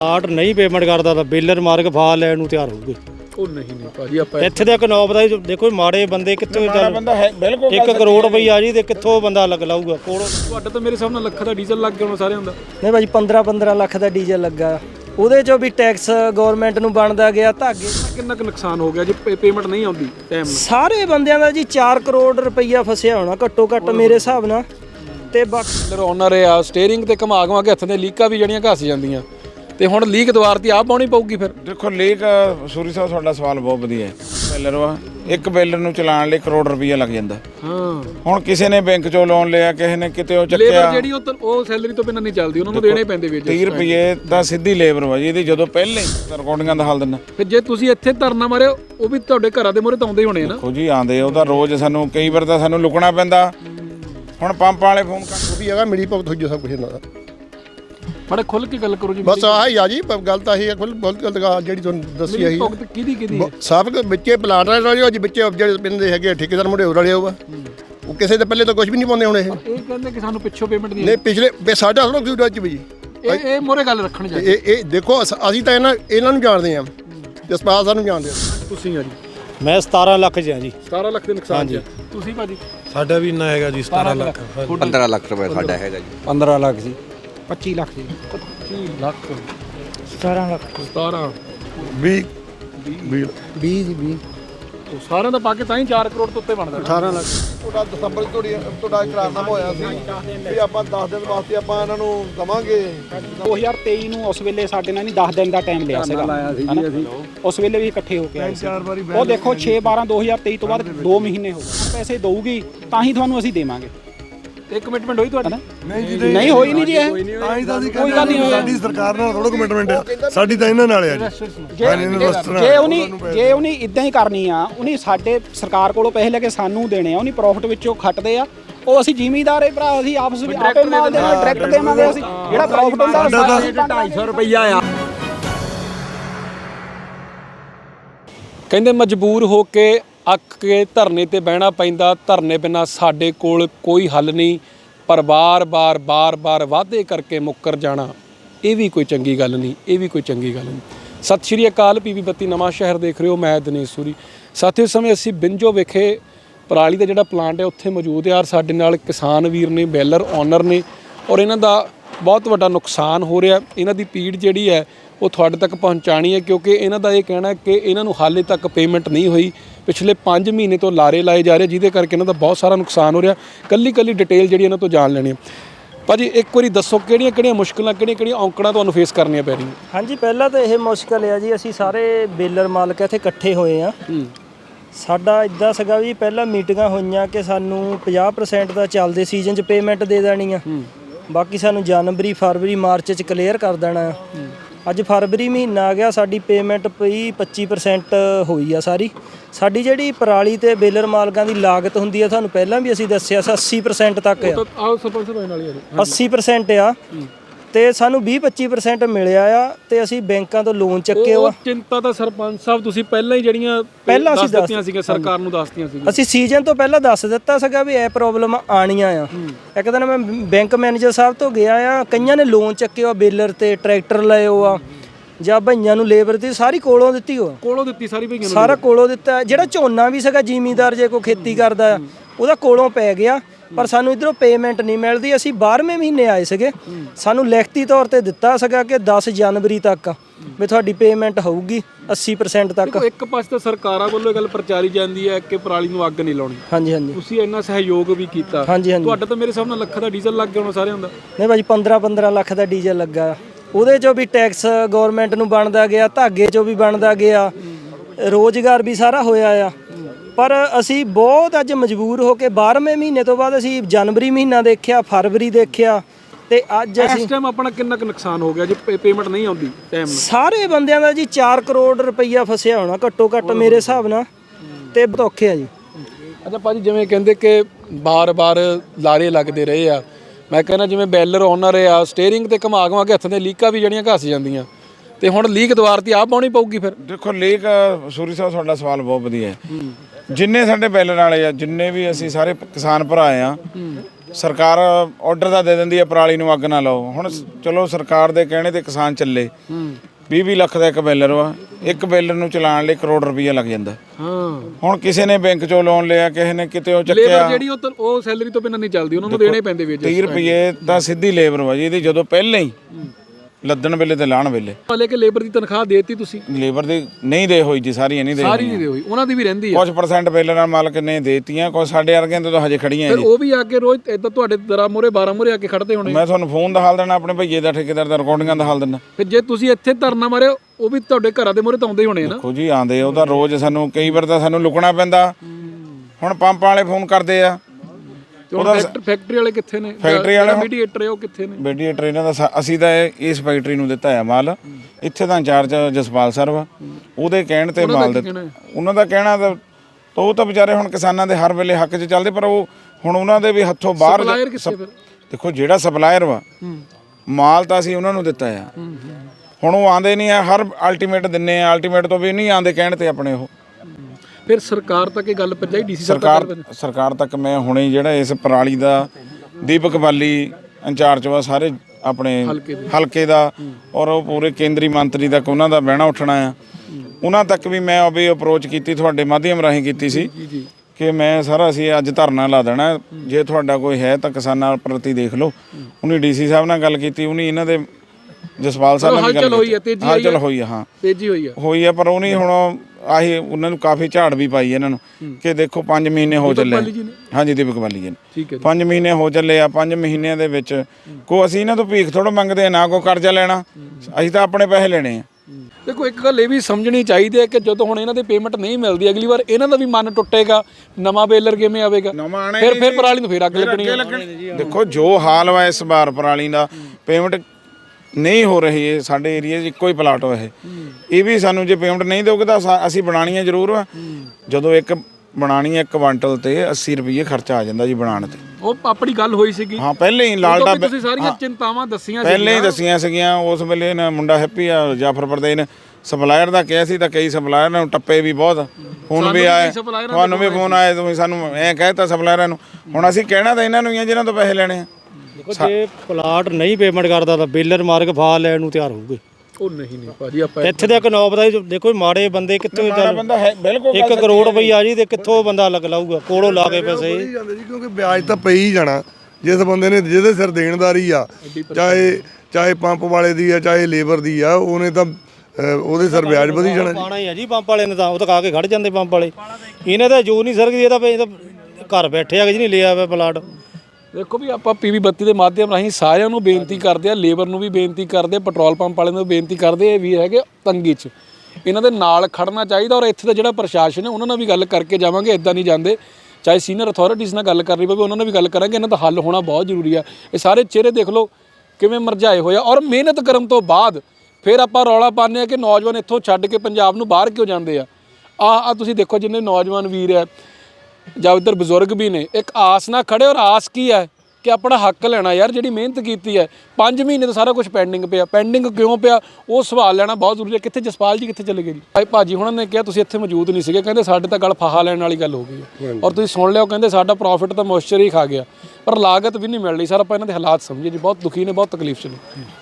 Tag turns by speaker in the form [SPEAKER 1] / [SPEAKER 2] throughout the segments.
[SPEAKER 1] Art ਨਹੀਂ payment ਕਰਦਾ ਤਾਂ ਬੇਲਰ ਮਾਰ ਕੇ ਫਾਲ ਲੈਣ ਨੂੰ ਤਿਆਰ ਹੋਊਗੇ।
[SPEAKER 2] ਉਹ ਨਹੀਂ ਭਾਜੀ ਆਪਾਂ
[SPEAKER 1] ਇੱਥੇ ਤੱਕ ਨੌਬ ਦਾ ਦੇਖੋ ਮਾੜੇ ਬੰਦੇ ਕਿੱਥੋਂ
[SPEAKER 3] ਬੰਦਾ ਹੈ ਬਿਲਕੁਲ
[SPEAKER 1] 1 ਕਰੋੜ ਰੁਪਈਆ ਜੀ ਤੇ ਕਿੱਥੋਂ ਬੰਦਾ ਲਾਊਗਾ ਕੋਲ।
[SPEAKER 2] ਤੁਹਾਡਾ ਤਾਂ ਮੇਰੇ ਹਿਸਾਬ ਨਾਲ ਲੱਖ ਦਾ ਡੀਜ਼ਲ ਲੱਗ ਗਿਆ ਹੋਣਾ ਸਾਰਿਆਂ ਦਾ।
[SPEAKER 4] ਨਹੀਂ ਭਾਜੀ 15 ਲੱਖ ਦਾ ਡੀਜ਼ਲ ਲੱਗਾ, ਉਹਦੇ ਚੋਂ ਵੀ ਟੈਕਸ ਗਵਰਨਮੈਂਟ ਨੂੰ ਬਣਦਾ ਗਿਆ। ਧਾਗੇ
[SPEAKER 2] ਕਿੰਨਾ ਕੁ ਨੁਕਸਾਨ ਹੋ ਗਿਆ ਜੇ ਪੇਮੈਂਟ ਨਹੀਂ ਆਉਂਦੀ ਟਾਈਮ ਨਾਲ?
[SPEAKER 4] ਸਾਰੇ ਬੰਦਿਆਂ ਦਾ ਜੀ 4 ਕਰੋੜ ਰੁਪਈਆ ਫਸਿਆ ਹੋਣਾ ਘੱਟੋ ਘੱਟ ਮੇਰੇ ਹਿਸਾਬ ਨਾਲ। ਤੇ ਬਾਕੀ
[SPEAKER 2] ਓਨਰ ਆ ਸਟੀਅਰਿੰਗ ਤੇ ਘੁਮਾ ਕੇ ਹੱਥਾਂ ਦੇ ਲੀਕਾਂ ਵੀ ਜਿਹੜੀਆਂ ਘਸ ਜਾਂਦੀਆਂ, ਤੇ ਹੁਣ ਲੀਕ ਦੁਆਰ ਤੇ ਆਪ ਪਾਉਣੀ ਪਊਗੀ। ਫਿਰ
[SPEAKER 3] ਦੇਖੋ ਲੀਕ ਸੂਰੀ ਸਾਹਿਬ ਤੁਹਾਡਾ ਸਵਾਲ ਬਹੁਤ ਵਧੀਆ ਹੈ। ਬੇਲਰ ਵਾ ਇੱਕ ਬੇਲਰ ਨੂੰ ਚਲਾਉਣ ਲਈ ਕਰੋੜ ਰੁਪਈਆ ਲੱਗ ਜਾਂਦਾ।
[SPEAKER 2] ਹਾਂ
[SPEAKER 3] ਹੁਣ ਕਿਸੇ ਨੇ ਬੈਂਕ ਚੋਂ ਲੋਨ ਲਿਆ, ਕਿਸੇ ਨੇ ਕਿਤੇ ਉਹ ਚੱਕਿਆ,
[SPEAKER 2] ਲੇਬਰ ਜਿਹੜੀ ਉਹ ਸੈਲਰੀ ਤੋਂ ਬਿਨਾਂ ਨਹੀਂ ਚੱਲਦੀ, ਉਹਨਾਂ ਨੂੰ ਦੇਣੇ ਪੈਂਦੇ ਵੇਜ।
[SPEAKER 3] 30 ਰੁਪਏ ਤਾਂ ਸਿੱਧੀ ਲੇਬਰ ਵਾ ਜੀ ਇਹਦੀ। ਜਦੋਂ ਪਹਿਲੇ ਰਿਕਾਰਡਿੰਗਾਂ ਦਾ ਹਾਲ ਦਿੰਦਾ,
[SPEAKER 2] ਫਿਰ ਜੇ ਤੁਸੀਂ ਇੱਥੇ ਧਰਨਾ ਮਾਰਿਓ ਉਹ ਵੀ ਤੁਹਾਡੇ ਘਰਾਂ ਦੇ ਮੂਹਰੇ ਤਾਂ ਆਉਂਦੇ ਹੀ ਹੋਣੇ ਨਾ।
[SPEAKER 3] ਦੇਖੋ ਜੀ ਆਉਂਦੇ ਉਹ ਤਾਂ ਰੋਜ਼ ਸਾਨੂੰ ਕਈ ਵਾਰ ਤਾਂ ਸਾਨੂੰ ਲੁਕਣਾ ਪੈਂਦਾ। ਹੁਣ ਪੰਪ ਵਾਲੇ ਫੋਨ ਕਰ
[SPEAKER 5] ਉਹ ਵੀ ਹੈਗਾ, ਮਿਲੀ ਭਗਤ ਹੋਈ ਸਭ ਕੁਝ ਇਹਨਾਂ ਦਾ।
[SPEAKER 2] ਬੜੇ ਖੁੱਲ ਕੇ ਗੱਲ ਕਰੋ ਜੀ।
[SPEAKER 5] ਬਸ ਆਹ ਹੀ ਆ ਜੀ ਗੱਲ ਤਾਂ ਇਹ ਬਹੁਤ ਗੱਲ ਜਿਹੜੀ ਤੁਹਾਨੂੰ ਦੱਸੀ ਆਹੀ
[SPEAKER 2] ਭਗਤ ਕਿਹਦੀ
[SPEAKER 5] ਸਭ ਵਿੱਚੇ ਪਲਾਟ ਵਾਲੇ ਜੀ, ਵਿੱਚੇ ਜਿਹੜੇ ਪਿੰਦੇ ਹੈਗੇ ਠੇਕੇਦਾਰ ਮੁੰਡੇ ਹੋਰ ਵਾਲੇ ਹੋਆ, ਉਹ ਕਿਸੇ ਦੇ ਪਹਿਲੇ ਤਾਂ ਕੁਝ ਵੀ ਨਹੀਂ ਪਾਉਂਦੇ ਹੁਣ। ਇਹ
[SPEAKER 2] ਕਹਿੰਦੇ ਕਿ ਸਾਨੂੰ ਪਿੱਛੋਂ ਪੇਮੈਂਟ ਨਹੀਂ।
[SPEAKER 5] ਨਹੀਂ ਪਿਛਲੇ ਸਾਡਾ ਥੋੜਾ ਕਿਉਂ ਅੱਜ ਵੀ
[SPEAKER 2] ਇਹ ਮੋਰੇ ਗੱਲ ਰੱਖਣ ਜਾਂਦੇ।
[SPEAKER 5] ਇਹ ਦੇਖੋ ਅਸੀਂ ਤਾਂ ਇਹਨਾਂ ਨੂੰ ਜਾਣਦੇ ਆ, ਜਸਪਾਲ ਸਾਹਿਬ ਨੂੰ ਜਾਣਦੇ ਆ।
[SPEAKER 2] ਤੁਸੀਂ ਆ ਜੀ?
[SPEAKER 1] ਮੈਂ 17 ਲੱਖ 'ਚ ਆ ਜੀ।
[SPEAKER 2] 17 ਲੱਖ ਦੇ ਨੁਕਸਾਨ ਚ। ਤੁਸੀਂ ਭਾਜੀ?
[SPEAKER 6] ਸਾਡਾ ਵੀ ਇੰਨਾ ਹੈਗਾ ਜੀ 17 ਲੱਖ।
[SPEAKER 7] 15 ਲੱਖ ਰੁਪਏ ਸਾਡਾ ਹੈਗਾ ਜੀ।
[SPEAKER 4] 15 ਲੱਖ ਜੀ।
[SPEAKER 1] 25 ਲੱਖ ਜੀ।
[SPEAKER 2] 25 ਲੱਖ
[SPEAKER 4] 17 ਲੱਖ
[SPEAKER 2] 17
[SPEAKER 5] 20
[SPEAKER 4] 20 20
[SPEAKER 2] ਉਹ ਸਾਰਿਆਂ ਦਾ ਪਾ ਕੇ ਤਾਂ ਹੀ 4 ਕਰੋੜ ਤੋਂ ਉੱਤੇ ਬਣਦਾ।
[SPEAKER 5] 18 ਲੱਖ
[SPEAKER 8] ਤੁਹਾਡਾ ਦਸੰਬਰ ਤੁਹਾਡਾ ਇਕਰਾਰਨਾਮਾ ਹੋਇਆ ਸੀ ਵੀ ਆਪਾਂ 10 ਦਿਨ ਵਾਸਤੇ ਆਪਾਂ ਇਹਨਾਂ ਨੂੰ ਦਵਾਂਗੇ।
[SPEAKER 9] 2023 ਨੂੰ ਉਸ ਵੇਲੇ ਸਾਡੇ ਨਾਲ ਨਹੀਂ 10 ਦਿਨ ਦਾ ਟਾਈਮ ਲਿਆ ਸੀਗਾ, ਉਸ ਵੇਲੇ ਵੀ ਇਕੱਠੇ ਹੋ ਕੇ ਆਏ ਸੀ। ਉਹ ਦੇਖੋ 6/12/2023 ਤੋਂ ਬਾਅਦ 2 ਮਹੀਨੇ ਹੋ ਗਏ। ਪੈਸੇ ਦਊਗੀ ਤਾਂ ਹੀ ਤੁਹਾਨੂੰ ਅਸੀਂ ਦੇਵਾਂਗੇ।
[SPEAKER 2] ਇਹ ਕਮਿਟਮੈਂਟ ਹੋਈ ਤੁਹਾਡੀ?
[SPEAKER 9] ਨਹੀਂ ਹੋਈ ਨਹੀਂ ਜੀ। ਇਹ
[SPEAKER 6] ਤਾਂ ਹੀ ਤਾਂ ਅਸੀਂ
[SPEAKER 9] ਕੋਈ ਗੱਲ ਨਹੀਂ ਹੋਈ।
[SPEAKER 6] ਸਾਡੀ ਸਰਕਾਰ ਨਾਲ ਥੋੜਾ ਕਮਿਟਮੈਂਟ ਆ, ਸਾਡੀ ਤਾਂ ਇਹਨਾਂ ਨਾਲ ਆ ਜੀ।
[SPEAKER 9] ਜੇ ਉਹਨੇ ਇਦਾਂ ਹੀ ਕਰਨੀ ਆ, ਉਹਨੇ ਸਾਡੇ ਸਰਕਾਰ ਕੋਲੋਂ ਪੈਸੇ ਲੈ ਕੇ ਸਾਨੂੰ ਦੇਣੇ ਆ, ਉਹਨੇ ਪ੍ਰੋਫਿਟ ਵਿੱਚੋਂ ਖੱਟਦੇ ਆ। ਉਹ ਅਸੀਂ ਜ਼ਿਮੀਂਦਾਰ ਭਰਾ, ਅਸੀਂ ਆਪਸ ਵਿੱਚ ਆਪੇ ਮਾਲ ਦੇਣਾ, ਡਾਇਰੈਕਟ ਦੇਵਾਂਗੇ। ਅਸੀਂ ਜਿਹੜਾ ਪ੍ਰੋਫਿਟ ਹੁੰਦਾ 250
[SPEAKER 2] ਰੁਪਈਆ ਆ। ਕਹਿੰਦੇ ਮਜਬੂਰ ਹੋ ਕੇ ਅੱਕ ਕੇ ਧਰਨੇ ਤੇ ਬਹਿਣਾ ਪੈਂਦਾ। ਧਰਨੇ ਬਿਨਾਂ ਸਾਡੇ ਕੋਲ ਕੋਈ ਹੱਲ ਨਹੀਂ, ਪਰ ਬਾਰ-ਬਾਰ ਵਾਅਦੇ ਕਰਕੇ ਮੁੱਕਰ ਜਾਣਾ ਇਹ ਵੀ ਕੋਈ ਚੰਗੀ ਗੱਲ ਨਹੀਂ, ਇਹ ਵੀ ਕੋਈ ਚੰਗੀ ਗੱਲ ਨਹੀਂ। ਸਤਿ ਸ਼੍ਰੀ ਅਕਾਲ। PB 32 ਨਵਾਂ ਸ਼ਹਿਰ ਦੇਖ ਰਹੇ ਹੋ, ਮੈਂ ਦਿਨੇਸ਼ ਸੂਰੀ। ਸਾਥੀਓ, ਇਸ ਸਮੇਂ ਅਸੀਂ ਬਿੰਜੋ ਵਿਖੇ ਪਰਾਲੀ ਦਾ ਜਿਹੜਾ ਪਲਾਂਟ ਹੈ ਉੱਥੇ ਮੌਜੂਦ ਹਾਂ। ਸਾਡੇ ਨਾਲ ਕਿਸਾਨ ਵੀਰ ਨੇ, ਬੇਲਰ ਓਨਰ ਨੇ, ਔਰ ਇਹਨਾਂ ਦਾ ਬਹੁਤ ਵੱਡਾ ਨੁਕਸਾਨ ਹੋ ਰਿਹਾ। ਇਹਨਾਂ ਦੀ ਪੀੜ ਜਿਹੜੀ ਹੈ ਉਹ ਤੁਹਾਡੇ ਤੱਕ ਪਹੁੰਚਾਣੀ ਹੈ, ਕਿਉਂਕਿ ਇਹਨਾਂ ਦਾ ਇਹ ਕਹਿਣਾ ਕਿ ਇਹਨਾਂ ਨੂੰ ਹਾਲੇ ਤੱਕ ਪੇਮੈਂਟ ਨਹੀਂ ਹੋਈ। ਪਿਛਲੇ 5 ਮਹੀਨੇ ਤੋਂ ਲਾਰੇ ਲਾਏ ਜਾ ਰਹੇ, ਜਿਹਦੇ ਕਰਕੇ ਇਹਨਾਂ ਦਾ ਬਹੁਤ ਸਾਰਾ ਨੁਕਸਾਨ ਹੋ ਰਿਹਾ। ਕੱਲੀ ਡਿਟੇਲ ਜਿਹੜੀ ਇਹਨਾਂ ਤੋਂ ਜਾਣ ਲੈਣੀ ਹੈ। ਭਾਜੀ ਇੱਕ ਵਾਰੀ ਦੱਸੋ ਕਿਹੜੀਆਂ ਮੁਸ਼ਕਲਾਂ, ਕਿਹੜੀਆਂ ਔਂਕੜਾਂ ਤੁਹਾਨੂੰ ਫੇਸ ਕਰਨੀਆਂ ਪੈ ਰਹੀਆਂ?
[SPEAKER 4] ਹਾਂਜੀ, ਪਹਿਲਾਂ ਤਾਂ ਇਹ ਮੁਸ਼ਕਲ ਆ ਜੀ, ਅਸੀਂ ਸਾਰੇ ਬੇਲਰ ਮਾਲਕ ਇੱਥੇ ਇਕੱਠੇ ਹੋਏ ਆ। ਸਾਡਾ ਇੱਦਾਂ ਸੀਗਾ ਵੀ ਪਹਿਲਾਂ ਮੀਟਿੰਗਾਂ ਹੋਈਆਂ ਕਿ ਸਾਨੂੰ 50% ਦਾ ਚੱਲਦੇ ਸੀਜ਼ਨ 'ਚ ਪੇਮੈਂਟ ਦੇ ਦੇਣੀ ਆ, ਬਾਕੀ ਸਾਨੂੰ ਜਨਵਰੀ, ਫਰਵਰੀ, ਮਾਰਚ 'ਚ ਕਲੀਅਰ ਕਰ ਦੇਣਾ ਆ। ਅੱਜ ਫਰਵਰੀ ਮਹੀਨਾ ਆ ਗਿਆ, ਸਾਡੀ ਪੇਮੈਂਟ ਪਈ 25% ਹੋਈ ਆ ਸਾਰੀ। ਸਾਡੀ ਜਿਹੜੀ ਪਰਾਲੀ ਤੇ ਬੇਲਰ ਮਾਲਕਾਂ ਦੀ ਲਾਗਤ ਹੁੰਦੀ ਆ, ਤੁਹਾਨੂੰ ਪਹਿਲਾਂ ਵੀ ਅਸੀਂ ਦੱਸਿਆ ਸੀ 80% ਤੱਕ ਆ, 80% ਆ। ਤੇ ਸਾਨੂੰ 20-25% ਮਿਲਿਆ ਆ, ਤੇ ਅਸੀਂ ਬੈਂਕਾਂ ਤੋਂ ਲੋਨ ਚੱਕੇ ਆ।
[SPEAKER 2] ਚਿੰਤਾ ਤਾਂ ਸਰਪੰਚ ਸਾਹਿਬ ਤੁਸੀਂ ਪਹਿਲਾਂ ਹੀ ਜਿਹੜੀਆਂ
[SPEAKER 4] ਪਹਿਲਾਂ ਅਸੀਂ
[SPEAKER 2] ਦੱਸਤੀਆਂ ਸੀਗੀਆਂ, ਸਰਕਾਰ ਨੂੰ ਦੱਸਤੀਆਂ ਸੀਗੀਆਂ।
[SPEAKER 4] ਅਸੀਂ ਸੀਜ਼ਨ ਤੋਂ ਪਹਿਲਾਂ ਦੱਸ ਦਿੱਤਾ ਸੀਗਾ ਵੀ ਇਹ ਪ੍ਰੋਬਲਮ ਆਣੀਆਂ ਆ। ਇੱਕ ਦਿਨ ਮੈਂ ਬੈਂਕ ਮੈਨੇਜਰ ਸਾਹਿਬ ਤੋਂ ਗਿਆ ਆ, ਕਈਆਂ ਨੇ ਲੋਨ ਚੱਕੇ ਆ, ਬੇਲਰ ਤੇ ਟਰੈਕਟਰ ਲਏ ਆ, ਜਾਂ ਭਈਆਂ ਨੂੰ ਲੇਬਰ ਦੀ ਸਾਰੀ ਕੋਲੋਂ ਦਿੱਤੀ, ਉਹ
[SPEAKER 2] ਕੋਲੋਂ ਦਿੱਤੀ ਸਾਰੀ ਭਈਆਂ ਨੂੰ,
[SPEAKER 4] ਸਾਰਾ ਕੋਲੋਂ ਦਿੱਤਾ। ਜਿਹੜਾ ਝੋਨਾ ਵੀ ਸੀਗਾ, ਜ਼ਿਮੀਂਦਾਰ ਜੇ ਕੋਈ ਖੇਤੀ ਕਰਦਾ ਆ, ਉਹਦਾ ਕੋਲੋਂ ਪੈ ਗਿਆ, ਪਰ ਸਾਨੂੰ ਇਧਰੋਂ ਪੇਮੈਂਟ ਨਹੀਂ ਮਿਲਦੀ। ਅਸੀਂ 12ਵੇਂ ਮਹੀਨੇ ਆਏ ਸੀਗੇ, ਸਾਨੂੰ ਲਿਖਤੀ ਤੌਰ ਤੇ ਦਿੱਤਾ ਸੀਗਾ ਕਿ 10 ਜਨਵਰੀ ਤੱਕ ਵੀ ਤੁਹਾਡੀ ਪੇਮੈਂਟ ਹੋਊਗੀ 80% ਤੱਕ।
[SPEAKER 2] ਇੱਕ ਪਾਸੇ ਤਾਂ ਸਰਕਾਰਾਂ ਵੱਲੋਂ ਇਹ ਗੱਲ ਪ੍ਰਚਾਰੀ ਜਾਂਦੀ ਹੈ ਕਿ ਪਰਾਲੀ ਨੂੰ ਅੱਗ ਨਹੀਂ ਲਾਉਣੀ।
[SPEAKER 4] ਹਾਂਜੀ ਹਾਂਜੀ,
[SPEAKER 2] ਤੁਸੀਂ ਇੰਨਾ ਸਹਿਯੋਗ ਵੀ ਕੀਤਾ।
[SPEAKER 4] ਹਾਂਜੀ ਹਾਂਜੀ,
[SPEAKER 2] ਤੁਹਾਡਾ ਤਾਂ ਮੇਰੇ ਹਿਸਾਬ ਨਾਲ ਲੱਖ ਦਾ ਡੀਜ਼ਲ ਲੱਗ ਗਿਆ ਹੋਣਾ ਸਾਰਿਆਂ ਦਾ।
[SPEAKER 4] ਨਹੀਂ ਭਾਜੀ 15 ਲੱਖ ਦਾ ਡੀਜ਼ਲ ਲੱਗਾ, ਉਹਦੇ ਚੋਂ ਵੀ ਟੈਕਸ ਗਵਰਨਮੈਂਟ ਨੂੰ ਬਣਦਾ ਗਿਆ, ਧਾਗੇ ਚੋਂ ਵੀ ਬਣਦਾ ਗਿਆ, ਰੋਜ਼ਗਾਰ ਵੀ ਸਾਰਾ ਹੋਇਆ ਆ। ਪਰ ਅਸੀਂ ਬਹੁਤ ਅੱਜ ਮਜਬੂਰ ਹੋ ਕੇ 12ਵੇਂ ਮਹੀਨੇ ਤੋਂ ਬਾਅਦ ਅਸੀਂ ਜਨਵਰੀ ਮਹੀਨਾ ਦੇਖਿਆ, ਫਰਵਰੀ ਦੇਖਿਆ, ਤੇ ਅੱਜ ਅਸੀਂ
[SPEAKER 2] ਇਸ ਟਾਈਮ ਆਪਣਾ ਕਿੰਨਾ ਕੁ ਨੁਕਸਾਨ ਹੋ ਗਿਆ ਜੇ ਪੇਮੈਂਟ ਨਹੀਂ ਆਉਂਦੀ ਟਾਈਮ ਨਾਲ?
[SPEAKER 4] ਸਾਰੇ ਬੰਦਿਆਂ ਦਾ ਜੀ 4 ਕਰੋੜ ਰੁਪਈਆ ਫਸਿਆ ਹੋਣਾ ਘੱਟੋ ਘੱਟ ਮੇਰੇ ਹਿਸਾਬ ਨਾਲ, ਤੇ ਬਹੁਤ ਔਖੇ ਆ ਜੀ।
[SPEAKER 2] ਅੱਛਾ ਭਾਜੀ, ਜਿਵੇਂ ਕਹਿੰਦੇ ਕਿ ਬਾਰ-ਬਾਰ ਲਾਰੇ ਲੱਗਦੇ ਰਹੇ ਆ, ਮੈਂ ਕਹਿੰਦਾ ਜਿਵੇਂ ਬੇਲਰ ਓਨਰ ਆ ਸਟੀਅਰਿੰਗ ਤੇ ਘੁਮਾ ਕੇ ਹੱਥਾਂ ਦੇ ਲੀਕਾਂ ਵੀ ਜਿਹੜੀਆਂ ਘਸ ਜਾਂਦੀਆਂ, ਤੇ ਹੁਣ ਲੀਕ ਦੁਆਰ ਤੇ ਆਪ ਪਾਉਣੀ ਪਊਗੀ। ਫਿਰ
[SPEAKER 3] ਦੇਖੋ ਲੀਕ ਸੂਰੀ ਸਾਹਿਬ ਤੁਹਾਡਾ ਸਵਾਲ ਬਹੁਤ ਵਧੀਆ ਹੈ। ਜਿੰਨੇ ਸਾਡੇ ਬੇਲਰ ਵਾਲੇ ਆ, ਜਿੰਨੇ ਵੀ ਅਸੀਂ ਸਾਰੇ ਕਿਸਾਨ ਭਰਾ ਆ, ਸਰਕਾਰ ਆਰਡਰ ਤਾਂ ਦੇ ਦਿੰਦੀ ਹੈ ਪਰਾਲੀ ਨੂੰ ਅੱਗ ਨਾ ਲਾਓ। ਹੁਣ ਚਲੋ ਸਰਕਾਰ ਦੇ ਕਹਿਣੇ ਤੇ ਕਿਸਾਨ ਚੱਲੇ 20 ਲੱਖ ਦਾ ਇੱਕ ਬੇਲਰ ਵਾ, ਇੱਕ ਬੇਲਰ ਨੂੰ ਚਲਾਉਣ ਲਈ ਕਰੋੜ ਰੁਪਈਆ ਲੱਗ ਜਾਂਦਾ। ਹੁਣ ਕਿਸੇ ਨੇ ਬੈਂਕ ਚੋਂ ਲੋਨ ਲਿਆ, ਕਿਸੇ ਨੇ ਕਿਤੇ ਉਹ ਚੱਕਿਆ।
[SPEAKER 2] ਲੇਬਰ ਜਿਹੜੀ ਉਹ ਸੈਲਰੀ ਤੋਂ ਬਿਨਾਂ ਨਹੀਂ ਚੱਲਦੀ, ਉਹਨਾਂ ਨੂੰ ਦੇਣੇ ਪੈਂਦੇ ਵੇਜ।
[SPEAKER 3] 30 ਰੁਪਏ ਤਾਂ ਸਿੱਧੀ ਲੇਬਰ ਵਾ ਜੀ ਇਹਦੀ, ਜਦੋਂ ਪਹਿਲਾਂ ਹੀ ਲੱਦਣ ਵੇਲੇ ਤੇ ਲਾਣ ਵੇਲੇ।
[SPEAKER 2] ਹਾਲੇ ਕਿ ਲੇਬਰ ਦੀ ਤਨਖਾਹ ਦੇਤੀ ਤੁਸੀਂ?
[SPEAKER 3] ਲੇਬਰ ਦੀ ਨਹੀਂ ਦੇ ਹੋਈ ਜੀ, ਸਾਰੀਆਂ ਨਹੀਂ ਦੇ
[SPEAKER 2] ਸਾਰੀ ਨਹੀਂ ਦੇ ਹੋਈ, ਉਹਨਾਂ ਦੀ ਵੀ ਰਹਿੰਦੀ ਹੈ।
[SPEAKER 3] ਕੁਝ % ਬੇਲਰਾਂ ਮਾਲਕ ਨੇ ਦੇਤੀਆਂ, ਕੁਝ ਸਾਡੇ ਵਰਗਿਆਂ ਤੋਂ ਤਾਂ ਹਜੇ ਖੜੀਆਂ
[SPEAKER 2] ਫਿਰ
[SPEAKER 3] ਜੀ।
[SPEAKER 2] ਉਹ ਵੀ ਆ ਕੇ ਰੋਜ਼ ਇਦਾਂ ਤੁਹਾਡੇ ਦਰਾਂ ਮੂਹਰੇ 12 ਮੂਹਰੇ ਆ ਕੇ ਖੜਦੇ ਹੋਣੇ।
[SPEAKER 3] ਮੈਂ ਤੁਹਾਨੂੰ ਫੋਨ ਦਾ ਹਾਲ ਦੇਣਾ, ਆਪਣੇ ਭਈਏ ਦਾ ਠੇਕੇਦਾਰ ਦਾ ਰਿਕਾਰਡਿੰਗਾਂ ਦਾ ਹਾਲ ਦੇਣਾ।
[SPEAKER 2] ਫਿਰ ਜੇ ਤੁਸੀਂ ਇੱਥੇ ਧਰਨਾ ਮਾਰਿਓ, ਉਹ ਵੀ ਤੁਹਾਡੇ ਘਰਾਂ ਦੇ ਮੂਹਰੇ ਤਾਂ ਆਉਂਦੇ ਹੀ ਹੋਣੇ ਨਾ।
[SPEAKER 3] ਦੇਖੋ ਜੀ ਆਂਦੇ, ਉਹ ਤਾਂ ਰੋਜ਼ ਸਾਨੂੰ ਕਈ ਵਾਰ ਤਾਂ ਸਾਨੂੰ ਲੁਕਣਾ ਪੈਂਦਾ। ਹੁਣ ਪੰਪ ਵਾਲੇ ਫੋਨ ਕਰਦੇ ਆ,
[SPEAKER 2] ਉਹਦਾ ਫੈਕਟਰੀ ਵਾਲੇ ਕਿੱਥੇ ਨੇ?
[SPEAKER 3] ਫੈਕਟਰੀ ਵਾਲੇ
[SPEAKER 2] ਮੀਡੀਏਟਰ ਉਹ ਕਿੱਥੇ ਨੇ?
[SPEAKER 3] ਮੀਡੀਏਟਰ ਇਹਨਾਂ ਦਾ ਅਸੀਂ ਤਾਂ ਇਸ ਫੈਕਟਰੀ ਨੂੰ ਦਿੱਤਾ ਹੈ ਮਾਲ। ਇੱਥੇ ਤਾਂ ਇੰਚਾਰਜ ਜਸਪਾਲ ਸਰ ਵਾ, ਉਹਦੇ ਕਹਿਣ ਤੇ ਮਾਲ ਦਿੱਤਾ। ਉਹਨਾਂ ਦਾ ਕਹਿਣਾ ਤਾਂ ਉਹ ਤਾਂ ਵਿਚਾਰੇ ਹੁਣ ਕਿਸਾਨਾਂ ਦੇ ਹਰ ਵੇਲੇ ਹੱਕ 'ਚ ਚੱਲਦੇ, ਪਰ ਉਹ ਹੁਣ ਉਹਨਾਂ ਦੇ ਵੀ ਹੱਥੋਂ ਬਾਹਰ। ਦੇਖੋ ਜਿਹੜਾ ਸਪਲਾਇਰ ਵਾ, ਮਾਲ ਤਾਂ ਅਸੀਂ ਉਹਨਾਂ ਨੂੰ ਦਿੱਤਾ ਆ। ਹੁਣ ਉਹ ਆਂਦੇ ਨਹੀਂ ਆ, ਹਰ ਅਲਟੀਮੇਟ ਦਿੰਨੇ ਆ, ਅਲਟੀਮੇਟ ਤੋਂ ਵੀ ਨਹੀਂ ਆਂਦੇ ਕਹਿਣ ਤੇ ਆਪਣੇ। ਉਹ
[SPEAKER 2] ਫਿਰ ਸਰਕਾਰ ਤੱਕ ਇਹ ਗੱਲ ਪਹੁੰਚਾਈ? ਡੀਸੀ
[SPEAKER 3] ਸਰਕਾਰ ਤੱਕ ਮੈਂ ਹੁਣੇ ਜਿਹੜਾ ਇਸ ਪਰਾਲੀ ਦਾ ਦੀਪਕ ਬਾਲੀ ਇੰਚਾਰਜ ਵਾ ਸਾਰੇ ਆਪਣੇ ਹਲਕੇ ਦਾ, ਔਰ ਉਹ ਪੂਰੇ ਕੇਂਦਰੀ ਮੰਤਰੀ ਤੱਕ ਉਹਨਾਂ ਦਾ ਬਹਿਣਾ ਉੱਠਣਾ ਆ। ਉਹਨਾਂ ਤੱਕ ਵੀ ਮੈਂ ਵੀ ਅਪਰੋਚ ਕੀਤੀ, ਤੁਹਾਡੇ ਮਾਧਿਅਮ ਰਾਹੀਂ ਕੀਤੀ ਸੀ ਕਿ ਮੈਂ ਸਾਰਾ ਅਸੀਂ ਅੱਜ ਧਰਨਾ ਲਾ ਦੇਣਾ, ਜੇ ਤੁਹਾਡਾ ਕੋਈ ਹੈ ਤਾਂ ਕਿਸਾਨਾਂ ਪ੍ਰਤੀ ਦੇਖ ਲਓ। ਉਹਨੇ ਡੀਸੀ ਸਾਹਿਬ ਨਾਲ ਗੱਲ ਕੀਤੀ, ਉਹਨੇ ਇਹਨਾਂ ਦੇ ਜਸਪਾਲ ਸਾਹਿਬ ਨਾਲ ਗੱਲ ਕੀਤੀ। ਹਲਚਲ ਹੋਈ ਆ, ਹਾਂ
[SPEAKER 2] ਤੇਜ਼ੀ
[SPEAKER 3] ਹੋਈ ਆ, ਪਰ ਉਹ ਨਹੀਂ ਹੁਣ ਆਹੀ ਉਹਨਾਂ ਨੂੰ ਕਾਫੀ ਝਾੜ ਵੀ ਪਾਈ ਇਹਨਾਂ ਨੂੰ ਕਿ ਦੇਖੋ 5 ਮਹੀਨੇ ਹੋ ਚੱਲੇ। ਹਾਂਜੀ ਦੀਪਕ ਬਾਲੀ ਜੀ ਨੇ 5 ਮਹੀਨੇ ਹੋ ਚੱਲੇ ਆ। 5 ਮਹੀਨਿਆਂ ਦੇ ਵਿੱਚ ਕੋ ਅਸੀਂ ਇਹਨਾਂ ਤੋਂ ਭੀਖ ਥੋੜਾ ਮੰਗਦੇ ਆ, ਨਾ ਕੋਈ ਕਰਜ਼ਾ ਲੈਣਾ, ਅਸੀਂ ਤਾਂ ਆਪਣੇ ਪੈਸੇ ਲੈਣੇ ਆ।
[SPEAKER 2] ਦੇਖੋ ਇੱਕ ਗੱਲ ਇਹ ਵੀ ਸਮਝਣੀ ਚਾਹੀਦੀ ਹੈ ਕਿ ਜਦੋਂ ਹੁਣ ਇਹਨਾਂ ਦੀ ਪੇਮੈਂਟ ਨਹੀਂ ਮਿਲਦੀ, ਅਗਲੀ ਵਾਰ ਇਹਨਾਂ ਦਾ ਵੀ ਮਨ ਟੁੱਟੇਗਾ, ਨਵਾਂ ਬੇਲਰ ਕਿਵੇਂ ਆਵੇਗਾ? ਫਿਰ ਪਰਾਲੀ ਨੂੰ ਫਿਰ ਅੱਗ ਲੱਗਣੀ ਹੈ।
[SPEAKER 3] ਦੇਖੋ ਜੋ ਹਾਲ ਵਾ ਇਸ ਵਾਰ ਪਰਾਲੀ ਦਾ, ਪੇਮੈਂਟ ਨਹੀਂ ਹੋ ਰਹੀ ਹੈ ਸਾਡੇ ਏਰੀਆ 'ਚ, ਇੱਕੋ ਹੀ ਪਲਾਟ ਹੋਇਆ ਇਹ ਵੀ ਸਾਨੂੰ ਜੇ ਪੇਮੈਂਟ ਨਹੀਂ ਦਿਓਗੇ ਤਾਂ ਅਸੀਂ ਬਣਾਉਣੀਆਂ ਜ਼ਰੂਰ ਵਾ। ਜਦੋਂ ਇੱਕ ਬਣਾਉਣੀ ਹੈ, ਇੱਕ ਕੁਆਂਟਲ ਤੇ 80 ਰੁਪਏ ਖਰਚਾ ਆ ਜਾਂਦਾ ਜੀ ਬਣਾਉਣ ਤੇ।
[SPEAKER 2] ਉਹ ਆਪਣੀ ਗੱਲ ਹੋਈ ਸੀਗੀ,
[SPEAKER 3] ਹਾਂ ਪਹਿਲੇ ਹੀ ਲਾਲਟਾ
[SPEAKER 2] ਤੁਸੀਂ ਸਾਰੀਆਂ ਚਿੰਤਾਵਾਂ ਦੱਸੀਆਂ
[SPEAKER 3] ਪਹਿਲੇ ਹੀ ਦੱਸੀਆਂ ਸੀਗੀਆਂ। ਉਸ ਵੇਲੇ ਨਾ ਮੁੰਡਾ ਹੈਪੀ ਆ ਜਾਫਰਪੁਰ ਦੇ ਨੇ ਸਪਲਾਇਰ ਦਾ ਕਿਹਾ ਸੀ, ਤਾਂ ਕਈ ਸਪਲਾਇਰ ਨੂੰ ਟੱਪੇ ਵੀ ਬਹੁਤ, ਫੋਨ ਵੀ ਆਏ, ਤੁਹਾਨੂੰ ਵੀ ਫੋਨ ਆਏ, ਤੁਸੀਂ ਸਾਨੂੰ ਐਂ ਕਹਿਤਾ ਸਪਲਾਇਰਾਂ ਨੂੰ। ਹੁਣ ਅਸੀਂ ਕਹਿਣਾ ਤਾਂ ਇਹਨਾਂ ਨੂੰ ਹੀ ਆ ਜਿਹਨਾਂ ਤੋਂ ਪੈਸੇ ਲੈਣੇ ਆ।
[SPEAKER 1] ਦੇਖੋ ਜੇ ਪਲਾਟ ਨਹੀਂ ਪੇਮੈਂਟ ਕਰਦਾ ਤਾਂ ਬੇਲਰ ਮਾਰ ਕੇ ਫਾਲ ਲੈਣ ਨੂੰ ਤਿਆਰ ਹੋਊਗੇ।
[SPEAKER 2] ਉਹ ਨਹੀਂ ਭਾਜੀ, ਆਪਾਂ
[SPEAKER 1] ਇੱਥੇ ਤੱਕ ਨੌਬ ਦਾ ਦੇਖੋ ਮਾੜੇ ਬੰਦੇ ਕਿੱਥੋਂ
[SPEAKER 3] ਬੰਦਾ ਹੈ ਬਿਲਕੁਲ
[SPEAKER 1] 1 ਕਰੋੜ ਰੁਪਈਆ ਜੀ ਤੇ ਕਿੱਥੋਂ ਬੰਦਾ ਲਾਊਗਾ ਕੋਲੋਂ ਲਾ ਕੇ ਪੈਸੇ
[SPEAKER 6] ਜਾਂਦੇ ਜੀ, ਕਿਉਂਕਿ ਵਿਆਜ ਤਾਂ ਪਈ ਹੀ ਜਾਣਾ ਜਿਸ ਬੰਦੇ ਨੇ, ਜਿਹਦੇ ਸਿਰ ਦੇਣਦਾਰੀ ਆ, ਚਾਹੇ ਪੰਪ ਵਾਲੇ ਦੀ ਆ ਚਾਹੇ ਲੇਬਰ ਦੀ ਆ, ਉਹਨੇ ਤਾਂ ਉਹਦੇ ਸਿਰ ਵਿਆਜ ਵਧੀ ਜਾਣਾ।
[SPEAKER 1] ਪਾਣਾ ਹੀ ਆ ਜੀ ਪੰਪ ਵਾਲੇ ਨੇ, ਤਾਂ ਉਹ ਤਾਂ ਕਾ ਕੇ ਖੜ ਜਾਂਦੇ ਪੰਪ ਵਾਲੇ। ਇਹਨੇ ਤਾਂ ਜੋ ਨਹੀਂ ਸਰਕਦੀ, ਇਹ ਤਾਂ ਘਰ ਬੈਠੇ ਆ ਕਿ ਨਹੀਂ ਲਿਆ ਹੋਇਆ ਪਲਾਟ।
[SPEAKER 2] ਦੇਖੋ ਵੀ ਆਪਾਂ PV 32 ਦੇ ਮਾਧਿਅਮ ਰਾਹੀਂ ਸਾਰਿਆਂ ਨੂੰ ਬੇਨਤੀ ਕਰਦੇ ਆ, ਲੇਬਰ ਨੂੰ ਵੀ ਬੇਨਤੀ ਕਰਦੇ, ਪੈਟਰੋਲ ਪੰਪ ਵਾਲਿਆਂ ਨੂੰ ਬੇਨਤੀ ਕਰਦੇ, ਇਹ ਵੀ ਹੈਗੇ ਤੰਗੀ 'ਚ, ਇਹਨਾਂ ਦੇ ਨਾਲ ਖੜਨਾ ਚਾਹੀਦਾ। ਔਰ ਇੱਥੇ ਦਾ ਜਿਹੜਾ ਪ੍ਰਸ਼ਾਸਨ ਹੈ ਉਹਨਾਂ ਨਾਲ ਵੀ ਗੱਲ ਕਰਕੇ ਜਾਵਾਂਗੇ, ਇਦਾਂ ਨਹੀਂ ਜਾਂਦੇ। ਚਾਹੇ ਸੀਨੀਅਰ ਅਥਾਰਟੀਜ਼ ਨਾਲ ਗੱਲ ਕਰਨੀ ਪਵੇ, ਉਹਨਾਂ ਨਾਲ ਵੀ ਗੱਲ ਕਰਾਂਗੇ। ਇਹਨਾਂ ਦਾ ਹੱਲ ਹੋਣਾ ਬਹੁਤ ਜ਼ਰੂਰੀ ਆ। ਇਹ ਸਾਰੇ ਚਿਹਰੇ ਦੇਖ ਲਓ ਕਿਵੇਂ ਮੁਰਝਾਏ ਹੋਏ ਆ, ਔਰ ਮਿਹਨਤ ਕਰਨ ਤੋਂ ਬਾਅਦ ਫਿਰ ਆਪਾਂ ਰੌਲਾ ਪਾਉਂਦੇ ਆ ਕਿ ਨੌਜਵਾਨ ਇੱਥੋਂ ਛੱਡ ਕੇ ਪੰਜਾਬ ਨੂੰ ਬਾਹਰ ਕਿਉਂ ਜਾਂਦੇ ਆ। ਆਹ ਤੁਸੀਂ ਦੇਖੋ ਜਿੰਨੇ ਨੌਜਵਾਨ ਵੀਰ ਆ ਜਾਂ ਉੱਧਰ ਬਜ਼ੁਰਗ ਵੀ ਨੇ, ਇੱਕ ਆਸ ਨਾਲ ਖੜੇ। ਔਰ ਆਸ ਕੀ ਹੈ ਕਿ ਆਪਣਾ ਹੱਕ ਲੈਣਾ ਯਾਰ, ਜਿਹੜੀ ਮਿਹਨਤ ਕੀਤੀ ਹੈ। 5 ਮਹੀਨੇ ਤੋਂ ਸਾਰਾ ਕੁਝ ਪੈਂਡਿੰਗ ਪਿਆ। ਪੈਂਡਿੰਗ ਕਿਉਂ ਪਿਆ ਉਹ ਸਵਾਲ ਲੈਣਾ ਬਹੁਤ ਜ਼ਰੂਰੀ ਹੈ। ਕਿੱਥੇ ਜਸਪਾਲ ਜੀ ਕਿੱਥੇ ਚਲੇ ਗਏ ਜੀ? ਭਾਜੀ ਹੁਣਾਂ ਨੇ ਕਿਹਾ ਤੁਸੀਂ ਇੱਥੇ ਮੌਜੂਦ ਨਹੀਂ ਸੀਗੇ, ਕਹਿੰਦੇ ਸਾਡੇ ਤਾਂ ਗੱਲ ਫਾਹਾ ਲੈਣ ਵਾਲੀ ਗੱਲ ਹੋ ਗਈ ਹੈ। ਔਰ ਤੁਸੀਂ ਸੁਣ ਲਿਓ, ਕਹਿੰਦੇ ਸਾਡਾ ਪ੍ਰੋਫਿਟ ਤਾਂ ਮੋਇਸਚਰ ਹੀ ਖਾ ਗਿਆ, ਪਰ ਲਾਗਤ ਵੀ ਨਹੀਂ ਮਿਲ ਰਹੀ। ਸਰ ਆਪਾਂ ਇਹਨਾਂ ਦੇ ਹਾਲਾਤ ਸਮਝੇ ਜੀ, ਬਹੁਤ ਦੁਖੀ ਨੇ, ਬਹੁਤ ਤਕਲੀਫ 'ਚ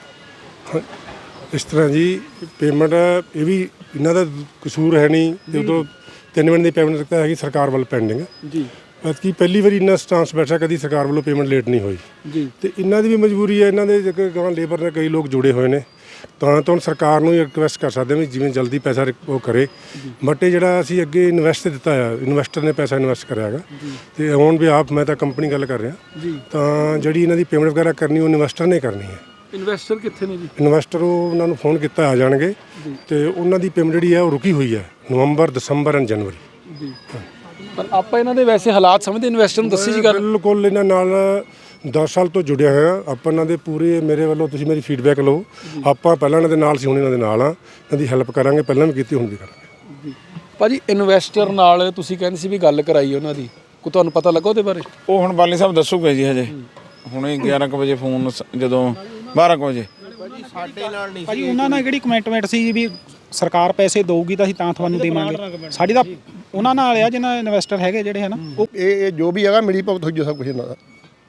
[SPEAKER 2] ਨੇ।
[SPEAKER 10] ਇਸ ਤਰ੍ਹਾਂ ਜੀ ਪੇਮੈਂਟ ਇਹ ਵੀ ਇਹਨਾਂ ਦਾ ਕਸੂਰ ਹੈ ਨਹੀਂ, ਤੇ ਉਦੋਂ 3 ਮਹੀਨੇ ਦੀ ਪੇਮੈਂਟ ਤਾਂ ਹੈਗੀ ਸਰਕਾਰ ਵੱਲ ਪੈਂਡਿੰਗ ਜੀ। ਕਿ ਪਹਿਲੀ ਵਾਰੀ ਇੰਨਾ ਸਟਾਂਸ ਬੈਠਾ, ਕਦੀ ਸਰਕਾਰ ਵੱਲੋਂ ਪੇਮੈਂਟ ਲੇਟ ਨਹੀਂ ਹੋਈ ਜੀ। ਤੇ ਇਹਨਾਂ ਦੀ ਵੀ ਮਜਬੂਰੀ ਹੈ, ਇਹਨਾਂ ਦੇ ਗਾਂ ਲੇਬਰ ਨਾਲ ਕਈ ਲੋਕ ਜੁੜੇ ਹੋਏ ਨੇ, ਤਾਂ ਹੁਣ ਸਰਕਾਰ ਨੂੰ ਰਿਕੁਐਸਟ ਕਰ ਸਕਦੇ ਹਾਂ ਵੀ ਜਿਵੇਂ ਜਲਦੀ ਪੈਸਾ ਉਹ ਕਰੇ। ਬਟ ਇਹ ਜਿਹੜਾ ਅਸੀਂ ਅੱਗੇ ਇਨਵੈਸਟ ਦਿੱਤਾ ਆ, ਇਨਵੈਸਟਰ ਨੇ ਪੈਸਾ ਇਨਵੈਸਟ ਕਰਿਆ ਹੈਗਾ, ਤੇ ਹੁਣ ਵੀ ਆਪ ਮੈਂ ਤਾਂ ਕੰਪਨੀ ਗੱਲ ਕਰ ਰਿਹਾ, ਤਾਂ ਜਿਹੜੀ ਇਹਨਾਂ ਦੀ ਪੇਮੈਂਟ ਵਗੈਰਾ ਕਰਨੀ ਉਹ ਇਨਵੈਸਟਰ ਨੇ ਕਰਨੀ ਹੈ।
[SPEAKER 2] ਇਨਵੈਸਟਰ ਕਿੱਥੇ ਨੇ ਜੀ?
[SPEAKER 10] ਇਨਵੈਸਟਰ ਉਹਨਾਂ ਨੂੰ ਫੋਨ ਕੀਤਾ ਆ ਜਾਣਗੇ, ਤੇ ਉਹਨਾਂ ਦੀ ਪੇਮੈਂਟ ਜਿਹੜੀ ਹੈ ਉਹ ਰੁਕੀ ਹੋਈ ਹੈ ਨਵੰਬਰ, ਦਸੰਬਰ ਐਂਡ ਜਨਵਰੀ ਜੀ।
[SPEAKER 2] ਪਰ ਆਪਾਂ ਇਹਨਾਂ ਦੇ ਵੈਸੇ ਹਾਲਾਤ ਸਮਝਦੇ, ਇਨਵੈਸਟਰ ਨੂੰ ਦੱਸੀ ਜੀ ਗੱਲ।
[SPEAKER 10] ਬਿਲਕੁਲ ਇਹਨਾਂ ਨਾਲ 10 ਸਾਲ ਤੋਂ ਜੁੜਿਆ ਹੋਇਆ ਆਪਾਂ। ਇਹਨਾਂ ਦੇ ਪੂਰੇ ਮੇਰੇ ਵੱਲੋਂ ਤੁਸੀਂ ਮੇਰੀ ਫੀਡਬੈਕ ਲਓ, ਆਪਾਂ ਪਹਿਲਾਂ ਇਹਨਾਂ ਦੇ ਨਾਲ ਸੀ, ਹੁਣ ਇਹਨਾਂ ਦੇ ਨਾਲ ਆ, ਇਹਨਾਂ ਦੀ ਹੈਲਪ ਕਰਾਂਗੇ, ਪਹਿਲਾਂ ਵੀ ਕੀਤੀ, ਹੁਣ ਵੀ ਕਰਾਂਗੇ।
[SPEAKER 2] ਭਾਜੀ ਇਨਵੈਸਟਰ ਨਾਲ ਤੁਸੀਂ ਕਹਿੰਦੇ ਸੀ ਵੀ ਗੱਲ ਕਰਾਈ ਉਹਨਾਂ ਦੀ, ਕੋਈ ਤੁਹਾਨੂੰ ਪਤਾ ਲੱਗਾ ਉਹਦੇ ਬਾਰੇ?
[SPEAKER 3] ਉਹ ਹੁਣ ਬਾਲੀ ਸਾਹਿਬ ਦੱਸੂਗੇ ਜੀ, ਹਜੇ ਹੁਣੇ 11 ਕੁ ਵਜੇ ਫੋਨ, ਜਦੋਂ 12 ਕੁ ਵਜੇ
[SPEAKER 9] ਸਾਡੇ ਨਾਲ ਨਹੀਂ ਭਾਜੀ, ਉਹਨਾਂ ਨਾਲ ਕਿਹੜੀ ਕਮਿਟਮੈਂਟ ਸੀ ਵੀ ਸਰਕਾਰ ਪੈਸੇ ਦੇਊਗੀ ਤਾਂ ਅਸੀਂ ਤਾਂ ਤੁਹਾਨੂੰ ਦੇਵਾਂਗੇ। ਸਾਡੀ ਤਾਂ ਉਹਨਾਂ ਨਾਲ ਆ ਜਿਹਨਾਂ ਇਨਵੈਸਟਰ ਹੈਗੇ ਜਿਹੜੇ ਹੈ ਨਾ,
[SPEAKER 5] ਇਹ ਜੋ ਵੀ ਹੈਗਾ ਮਿਲੀ ਭਗਤ ਹੋਈ ਜੋ ਸਭ ਕੁਝ ਇਹਨਾਂ ਦਾ।